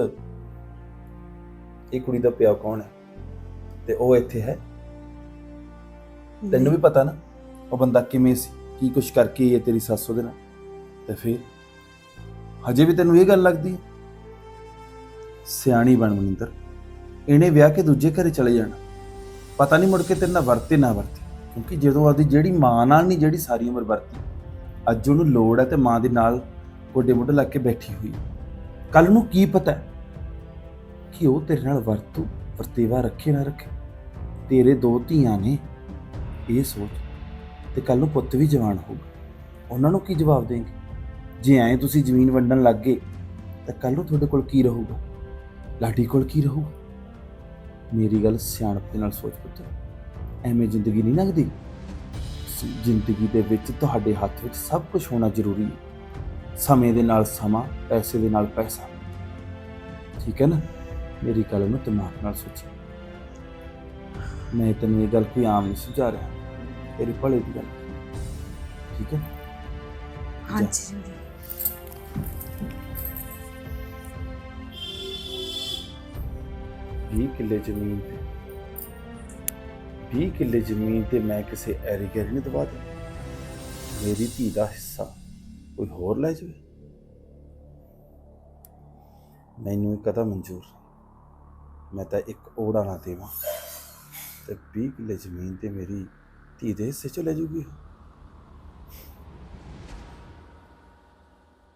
[SPEAKER 1] ਇਹ ਕੁੜੀ ਦਾ ਪਿਓ ਕੌਣ ਹੈ ਤੇ ਉਹ ਇੱਥੇ ਹੈ? ਤੈਨੂੰ ਵੀ ਪਤਾ ਨਾ ਉਹ ਬੰਦਾ ਕਿਵੇਂ ਸੀ, ਕੀ ਕੁਛ ਕਰਕੇ ਇਹ ਤੇਰੀ ਸੱਸ ਉਹਦੇ ਨਾਲ, ਤੇ ਫਿਰ ਹਜੇ ਵੀ ਤੈਨੂੰ ਇਹ ਗੱਲ ਲੱਗਦੀ ਹੈ? ਸਿਆਣੀ ਬਣ ਮਨਿੰਦਰ, ਇਹਨੇ ਵਿਆਹ ਕੇ ਦੂਜੇ ਘਰੇ ਚਲੇ ਜਾਣਾ, ਪਤਾ ਨਹੀਂ ਮੁੜ ਕੇ ਤੇਰੇ ਨਾਲ ਵਰਤੇ ਨਾ ਵਰਤੇ। ਕਿਉਂਕਿ ਜਦੋਂ ਆਦੀ ਜਿਹੜੀ ਮਾਂ ਨਾਲ ਨਹੀਂ ਜਿਹੜੀ ਸਾਰੀ ਉਮਰ ਵਰਤੀ, ਅੱਜ ਉਹਨੂੰ ਲੋੜ ਹੈ ਤੇ ਮਾਂ ਦੇ ਨਾਲ ਗੋਡੇ ਮੋਢੇ ਲੱਗ ਕੇ ਬੈਠੀ ਹੋਈ, ਕੱਲ ਨੂੰ ਕੀ ਪਤਾ ਕਿ ਉਹ ਤੇਰੇ ਨਾਲ ਵਰਤੇਵਾ ਰੱਖੇ ਨਾ ਰੱਖੇ। ਤੇਰੇ 2 ਧੀਆਂ ਨੇ, ਇਹ ਸੋਚ। ਤੇ ਕੱਲ ਨੂੰ ਪੁੱਤ ਵੀ ਜਵਾਨ ਹੋਊਗਾ, ਉਹਨਾਂ ਨੂੰ ਕੀ ਜਵਾਬ ਦੇਂਗੇ? ਜੇ ਐਂ ਤੁਸੀਂ ਜ਼ਮੀਨ ਵੰਡਣ ਲੱਗ ਗਏ ਤਾਂ ਕੱਲ ਨੂੰ ਤੁਹਾਡੇ ਕੋਲ ਕੀ ਰਹੂਗਾ? ਲਾਡੀ ਕੋਲ ਕੀ ਰਹੂਗਾ? ਮੇਰੀ ਗੱਲ ਸਿਆਣਪ ਦੇ ਨਾਲ ਸੋਚ ਪੁੱਤ, ਐਵੇਂ ਜ਼ਿੰਦਗੀ ਨਹੀਂ ਲੰਘਦੀ। ਜ਼ਿੰਦਗੀ ਦੇ ਵਿੱਚ ਤੁਹਾਡੇ ਹੱਥ ਵਿੱਚ ਸਭ ਕੁਝ ਹੋਣਾ ਜ਼ਰੂਰੀ ਹੈ। ਸਮੇਂ ਦੇ ਨਾਲ ਸਮਾਂ, ਪੈਸੇ ਦੇ ਨਾਲ ਪੈਸਾ। ਠੀਕ ਹੈ ਨਾ? ਮੇਰੀ ਗੱਲ ਨੂੰ ਦਿਮਾਗ ਨਾਲ ਸੋਚੀ। ਮੈਂ ਤੈਨੂੰ ਇਹ ਗੱਲ ਕੋਈ ਆਮ ਨਹੀਂ ਸਮਝਾ ਰਿਹਾ, ਤੇਰੇ ਭਲੇ ਦੀ ਗੱਲ। ਠੀਕ ਹੈ?
[SPEAKER 3] ਹਾਂਜੀ
[SPEAKER 1] 20 ਕਿੱਲੇ ਜ਼ਮੀਨ ਤੇ 20 ਕਿੱਲੇ ਜ਼ਮੀਨ ਤੇ ਮੈਂ ਕਿਸੇ ਐਰੀ ਗੈਰੀ ਨਹੀਂ ਦਵਾ ਦੇ। ਮੇਰੀ ਧੀ ਦਾ ਹਿੱਸਾ ਕੋਈ ਹੋਰ ਲੈ ਜਾਵੇ, ਮੈਨੂੰ ਇਹ ਕਦਾ ਮਨਜ਼ੂਰ। ਮੈਂ ਤਾਂ ਇੱਕ ਓੜਾ ਨਾ ਦੇਵਾਂ ਤੇ 20 ਕਿੱਲੇ ਜ਼ਮੀਨ ਤੇ ਮੇਰੀ ਧੀ ਦੇ ਹਿੱਸੇ ਚ ਲੈ ਜੂਗੀ।